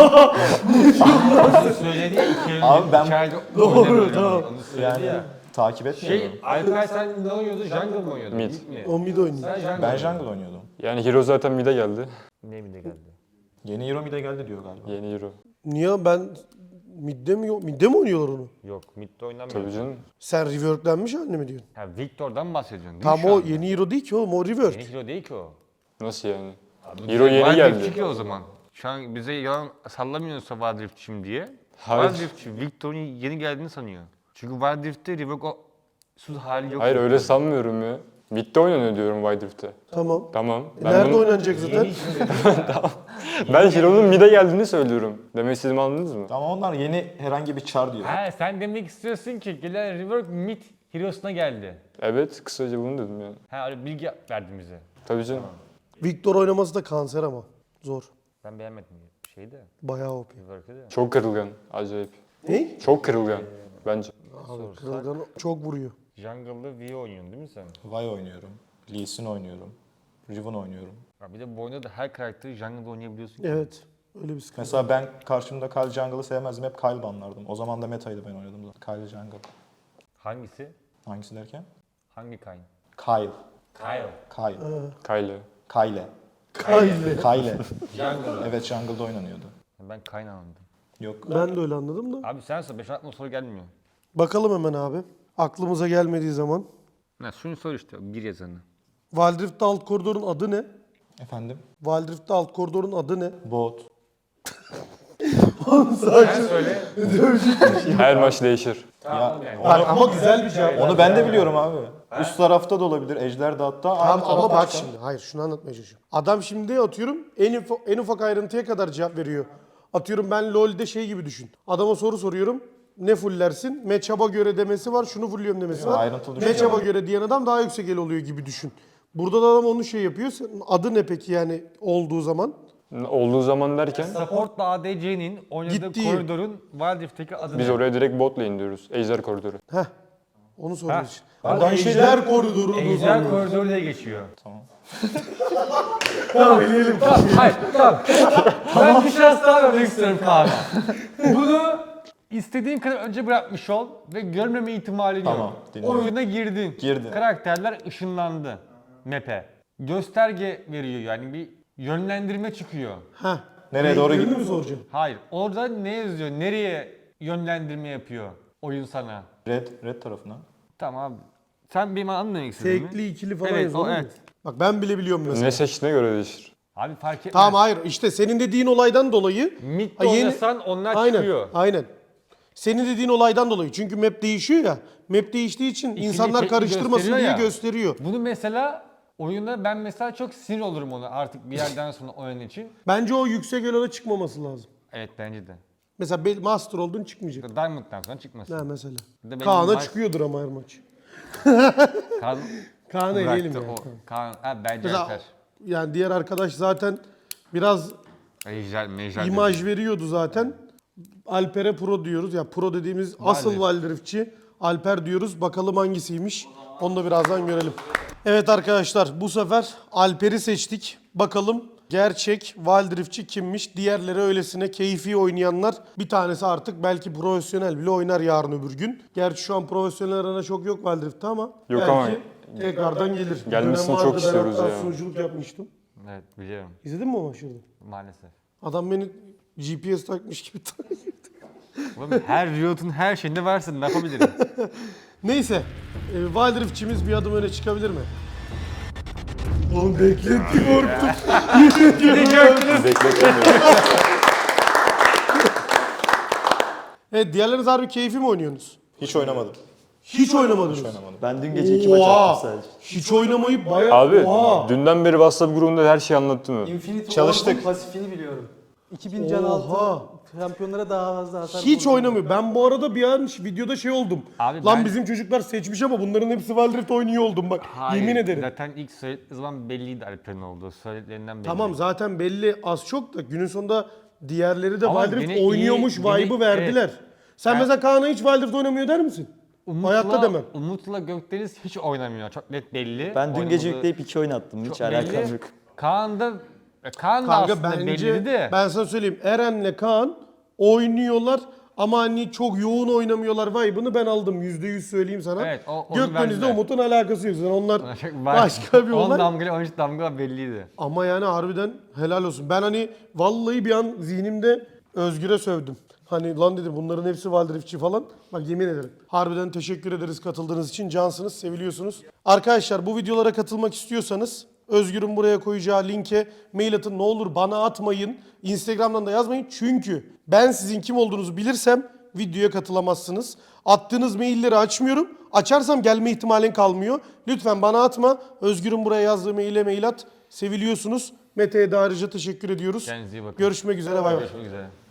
[SPEAKER 2] Söyledi ya 2 yıl
[SPEAKER 3] Abi ben-
[SPEAKER 2] içeride
[SPEAKER 1] Doğru,
[SPEAKER 2] oynamıyorum.
[SPEAKER 1] tamam.
[SPEAKER 2] Onu söyledi
[SPEAKER 3] Yani
[SPEAKER 2] ya.
[SPEAKER 3] takip etmiyorum.
[SPEAKER 2] Şey Alper sen ne oynuyordun? Jungle mı oynuyordun?
[SPEAKER 6] Mid.
[SPEAKER 2] mi?
[SPEAKER 1] O mid oynuyor.
[SPEAKER 2] Sen jungle
[SPEAKER 3] Ben
[SPEAKER 2] oynuyordun.
[SPEAKER 3] jungle oynuyordum.
[SPEAKER 6] Yani Hero zaten mid'e geldi.
[SPEAKER 2] Ne mid'e geldi?
[SPEAKER 3] Yeni hero mid'e geldi diyor galiba.
[SPEAKER 6] Yeni Hero.
[SPEAKER 1] Niye ben midde mi oynuyorlar onu?
[SPEAKER 2] Yok mid'de oynamıyor.
[SPEAKER 6] Tabii canım.
[SPEAKER 1] Sen reworklenmiş halini mi diyorsun?
[SPEAKER 2] Ha Victor'dan bahsediyorsun değil
[SPEAKER 1] Tam
[SPEAKER 2] mi şu
[SPEAKER 1] o
[SPEAKER 2] anda?
[SPEAKER 1] yeni hero değil ki oğlum o rework.
[SPEAKER 2] Yeni hero değil ki o.
[SPEAKER 6] Nasıl yani?
[SPEAKER 2] Abi,
[SPEAKER 6] Hero yeni
[SPEAKER 2] Wild
[SPEAKER 6] geldi.
[SPEAKER 2] Rift'çi ki o zaman. Şu an bize yalan sallamıyorsa Wild Rift'çiyim diye.
[SPEAKER 6] Hayır.
[SPEAKER 2] Wild Rift'çi Victor'un yeni geldiğini sanıyor. Çünkü Wild Rift'te Revoke'suz hali yok.
[SPEAKER 6] Hayır öyle sanmıyorum ya. Mid'de oynanıyor diyorum Wild Rift'te.
[SPEAKER 1] Tamam.
[SPEAKER 6] Tamam.
[SPEAKER 1] Nerede
[SPEAKER 6] bunu-
[SPEAKER 1] oynanacak zaten?
[SPEAKER 6] Ben Hero'nun mid'e geldiğini söylüyorum. Demek istediğimi anladınız mı?
[SPEAKER 3] Ama onlar yeni herhangi bir char diyor.
[SPEAKER 2] Ha sen demek istiyorsun ki gelen Rework mid Hero'suna geldi.
[SPEAKER 6] Evet, kısaca bunu dedim yani.
[SPEAKER 2] Ha öyle bilgi verdin bize.
[SPEAKER 6] Tabii canım.
[SPEAKER 1] Victor oynaması da kanser ama. Zor.
[SPEAKER 2] Ben beğenmedim şeyi de.
[SPEAKER 1] Bayağı OP.
[SPEAKER 2] Rework'ı da.
[SPEAKER 6] Çok kırılgan. Acayip.
[SPEAKER 1] Ne?
[SPEAKER 6] Çok kırılgan. Bence.
[SPEAKER 1] Abi kırılgan çok vuruyor.
[SPEAKER 2] Jungle'da V oynuyorsun değil mi sen?
[SPEAKER 3] Vi oynuyorum. Lee Sin oynuyorum. Riven oynuyorum.
[SPEAKER 2] Ha bir de bu oyunda da her karakteri Jungle'da oynayabiliyorsun. ki.
[SPEAKER 1] Evet. Öyle bir sıkıntı.
[SPEAKER 3] Mesela ben karşımda Kyle Jungle'ı sevmezdim. Hep Kyle banlardım. O zaman da metaydı ben oynadım. Kyle Jungle.
[SPEAKER 2] Hangisi?
[SPEAKER 3] Hangisi derken?
[SPEAKER 2] Hangi kayn?
[SPEAKER 3] Kyle.
[SPEAKER 2] Kyle.
[SPEAKER 3] Kyle.
[SPEAKER 6] Kyle.
[SPEAKER 3] Kyle.
[SPEAKER 1] Kyle.
[SPEAKER 3] Kyle.
[SPEAKER 2] Jungle.
[SPEAKER 3] Evet Jungle'da oynanıyordu.
[SPEAKER 2] Ben kayn anladım.
[SPEAKER 3] Yok.
[SPEAKER 1] Ben de öyle anladım da.
[SPEAKER 2] Abi sen sor 5 aklıma soru gelmiyor.
[SPEAKER 1] Bakalım hemen abi. Aklımıza gelmediği zaman.
[SPEAKER 2] Ne şunu sor işte bir yazanı.
[SPEAKER 1] Wildrift'te alt koridorun adı ne?
[SPEAKER 3] Efendim?
[SPEAKER 1] Wildrift'te alt koridorun adı ne?
[SPEAKER 3] Bot.
[SPEAKER 2] Sen söyle.
[SPEAKER 6] Her maç değişir.
[SPEAKER 3] Ya,
[SPEAKER 1] Bak ama güzel bir cevap.
[SPEAKER 3] onu ben de biliyorum abi. Üst tarafta da olabilir. Ejder de hatta.
[SPEAKER 1] Tamam
[SPEAKER 3] Aynı
[SPEAKER 1] ama
[SPEAKER 3] tarafta
[SPEAKER 1] bak
[SPEAKER 3] çıkan.
[SPEAKER 1] şimdi. Hayır şunu anlatmaya çalışıyorum. Adam şimdi atıyorum en ufak ayrıntıya kadar cevap veriyor. Atıyorum ben LoL'de şey gibi düşün. Adama soru soruyorum. Ne fullersin? Matchup'a göre demesi var. Şunu fulluyorum demesi var.
[SPEAKER 3] ayrıntılı düşünüyor.
[SPEAKER 1] Matchup'a göre diyen adam daha yüksek el oluyor gibi düşün. Burada da adam onu şey yapıyor. Adı ne peki yani olduğu zaman?
[SPEAKER 6] Olduğu zaman derken
[SPEAKER 2] Support'la ADC'nin oynadığı
[SPEAKER 1] Gittiği.
[SPEAKER 2] koridorun Wild Rift'teki adı
[SPEAKER 6] biz
[SPEAKER 2] ne?
[SPEAKER 6] oraya direkt botla indiriyoruz. Ejder koridoru.
[SPEAKER 1] Heh. Onu soruyoruz.
[SPEAKER 3] Oradan
[SPEAKER 1] Ejder koridoru.
[SPEAKER 2] Ejder koridoru diye geçiyor.
[SPEAKER 1] Tamam eleyelim.
[SPEAKER 2] Hayır tamam. Ben bir şans daha vermek istiyorum Kaan'a. Bunu istediğin kadar önce bırakmış ol ve görmeme ihtimalin
[SPEAKER 3] Tamam,
[SPEAKER 2] yok.
[SPEAKER 3] dinliyorum.
[SPEAKER 2] Oyuna girdin.
[SPEAKER 3] Girdim.
[SPEAKER 2] Karakterler ışınlandı map'e. Gösterge veriyor yani bir yönlendirme çıkıyor.
[SPEAKER 1] Heh.
[SPEAKER 3] Nereye doğru
[SPEAKER 1] Renklerini
[SPEAKER 3] gidiyor?
[SPEAKER 1] mi soracağım?
[SPEAKER 2] Hayır orada ne yazıyor? Nereye yönlendirme yapıyor oyun sana?
[SPEAKER 3] Red tarafına.
[SPEAKER 2] Tamam abi. Sen benim anlamak istedin mi?
[SPEAKER 1] Tekli ikili falan
[SPEAKER 2] Evet,
[SPEAKER 1] yazıyor
[SPEAKER 2] o
[SPEAKER 1] değil mi?
[SPEAKER 2] evet.
[SPEAKER 1] Bak ben bile biliyorum mesela.
[SPEAKER 6] Ne seçtiğine göre değişir.
[SPEAKER 2] Abi fark etmez.
[SPEAKER 1] Tamam hayır işte senin dediğin olaydan dolayı.
[SPEAKER 2] Mid'de
[SPEAKER 1] Ha, yeni-
[SPEAKER 2] oynasan onlar
[SPEAKER 1] Aynen,
[SPEAKER 2] çıkıyor.
[SPEAKER 1] aynen. Senin dediğin olaydan dolayı. Çünkü map değişiyor ya. Map değiştiği için
[SPEAKER 2] İkili
[SPEAKER 1] insanlar
[SPEAKER 2] tekli
[SPEAKER 1] karıştırmasın
[SPEAKER 2] gösteriyor
[SPEAKER 1] diye
[SPEAKER 2] ya.
[SPEAKER 1] gösteriyor.
[SPEAKER 2] Bunu mesela oyunda ben mesela çok sinir olurum ona artık bir yerden sonra oyun için.
[SPEAKER 1] Bence o yüksek eloda çıkmaması lazım.
[SPEAKER 2] Evet bence de.
[SPEAKER 1] Mesela master oldun çıkmayacak.
[SPEAKER 2] Diamond'dan sonra çıkmasın.
[SPEAKER 1] Ha mesela.
[SPEAKER 2] Bir de benim
[SPEAKER 1] Kaan'a
[SPEAKER 2] maç-
[SPEAKER 1] çıkıyordur ama her maç.
[SPEAKER 2] Kaan
[SPEAKER 1] Kaan'ı eleyelim
[SPEAKER 2] bıraktı
[SPEAKER 1] yani.
[SPEAKER 2] o. Kaan, ha, bence
[SPEAKER 1] Mesela
[SPEAKER 2] yeter.
[SPEAKER 1] yani diğer arkadaş zaten biraz
[SPEAKER 2] Mecel
[SPEAKER 1] imaj veriyordu zaten. Alper'e pro diyoruz. Ya pro dediğimiz asıl Wildrift'çi Alper diyoruz. Bakalım hangisiymiş. Onu da birazdan görelim. Evet arkadaşlar bu sefer Alper'i seçtik. Bakalım gerçek Wildrift'çi kimmiş? Diğerleri öylesine keyfi oynayanlar. Bir tanesi artık belki profesyonel bile oynar yarın öbür gün. Gerçi şu an profesyonel arana çok yok Wildrift'te ama
[SPEAKER 6] Yok
[SPEAKER 1] belki
[SPEAKER 6] ama
[SPEAKER 1] tekrardan gelir. Bir
[SPEAKER 6] gelmesini
[SPEAKER 1] dönem
[SPEAKER 6] çok
[SPEAKER 1] vardı, ben
[SPEAKER 6] istiyoruz
[SPEAKER 1] hatta
[SPEAKER 6] ya.
[SPEAKER 1] sunuculuk yapmıştım.
[SPEAKER 2] Evet biliyorum
[SPEAKER 1] İzledin mi o maçları?
[SPEAKER 2] maalesef.
[SPEAKER 1] Adam beni GPS takmış gibi
[SPEAKER 2] Oğlum her Riot'un her şeyinde varsın ne yapabilirim?
[SPEAKER 1] Neyse. Wildrift'çimiz bir adım öne çıkabilir mi? Oğlum bekletti korktum.
[SPEAKER 6] Bekletiyorum.
[SPEAKER 1] Evet diğerleriniz harbi keyfi mi oynuyorsunuz?
[SPEAKER 3] Hiç oynamadım.
[SPEAKER 1] Hiç oynamadınız.
[SPEAKER 3] Hiç oynamadım.
[SPEAKER 7] Ben dün gece 2 maç
[SPEAKER 1] Oha!
[SPEAKER 7] attım sadece.
[SPEAKER 1] Hiç oynamayıp bayağı...
[SPEAKER 6] Abi
[SPEAKER 1] Oha!
[SPEAKER 6] dünden beri WhatsApp grubunda her şeyi anlattım mı?
[SPEAKER 5] Infinity
[SPEAKER 3] Çalıştık.
[SPEAKER 5] Ward'un pasifini biliyorum. 2000 can
[SPEAKER 1] Oha!
[SPEAKER 5] altı şampiyonlara daha fazla hasar
[SPEAKER 1] Hiç
[SPEAKER 5] vurdu.
[SPEAKER 1] oynamıyor. Ben bu arada bir an videoda şey oldum.
[SPEAKER 2] Abi
[SPEAKER 1] Lan
[SPEAKER 2] ben-
[SPEAKER 1] bizim çocuklar seçmiş ama bunların hepsi Wildrift oynuyor oldum bak. Yemin ederim.
[SPEAKER 2] Zaten ilk söylediği zaman belliydi Alper'in olduğu. Söylediklerinden belli.
[SPEAKER 1] Tamam zaten belli az çok da günün sonunda diğerleri de
[SPEAKER 2] Ama
[SPEAKER 1] Wildrift
[SPEAKER 2] yine iyi-
[SPEAKER 1] oynuyormuş
[SPEAKER 2] yine-
[SPEAKER 1] vibe'ı verdiler. Sen
[SPEAKER 2] Ben-
[SPEAKER 1] mesela Kaan'a hiç Wildrift oynamıyor der misin? Hayatta demem.
[SPEAKER 2] Umut'la Gökdeniz hiç oynamıyor. Çok net belli.
[SPEAKER 7] Ben dün gece
[SPEAKER 2] Oynadığı-
[SPEAKER 7] yükleyip 2 oyun attım. Hiç
[SPEAKER 2] çok belli.
[SPEAKER 7] alakam yok.
[SPEAKER 2] Kaan da
[SPEAKER 1] Kanka
[SPEAKER 2] aslında
[SPEAKER 1] bence
[SPEAKER 2] belliydi de.
[SPEAKER 1] ben sana söyleyeyim Eren'le Kaan oynuyorlar ama hani çok yoğun oynamıyorlar vibe'ını ben aldım. %100 söyleyeyim sana.
[SPEAKER 2] Evet, onu
[SPEAKER 1] Gökdeniz'de
[SPEAKER 2] verdiler.
[SPEAKER 1] Umut'un alakası yok. Yani onlar
[SPEAKER 2] Başka
[SPEAKER 1] başka bir
[SPEAKER 2] 10
[SPEAKER 1] olay.
[SPEAKER 2] damgayla 13 damga belliydi.
[SPEAKER 1] Ama yani harbiden helal olsun. Ben hani vallahi bir an zihnimde Özgür'e sövdüm. Hani lan dedim bunların hepsi Wildrift'çi falan. Bak yemin ederim. Harbiden teşekkür ederiz katıldığınız için. Cansınız, seviliyorsunuz. Arkadaşlar bu videolara katılmak istiyorsanız Özgür'ün buraya koyacağı linke mail atın. Ne olur bana atmayın. Instagram'dan da yazmayın. Çünkü ben sizin kim olduğunuzu bilirsem videoya katılamazsınız. Attığınız mailleri açmıyorum. Açarsam gelme ihtimalin kalmıyor. Lütfen bana atma. Özgür'ün buraya yazdığı maile mail at. Seviliyorsunuz. Mete'ye de ayrıca teşekkür ediyoruz.
[SPEAKER 2] Kendinize iyi bakın.
[SPEAKER 1] Görüşmek üzere. Bay bay.
[SPEAKER 2] Görüşmek üzere.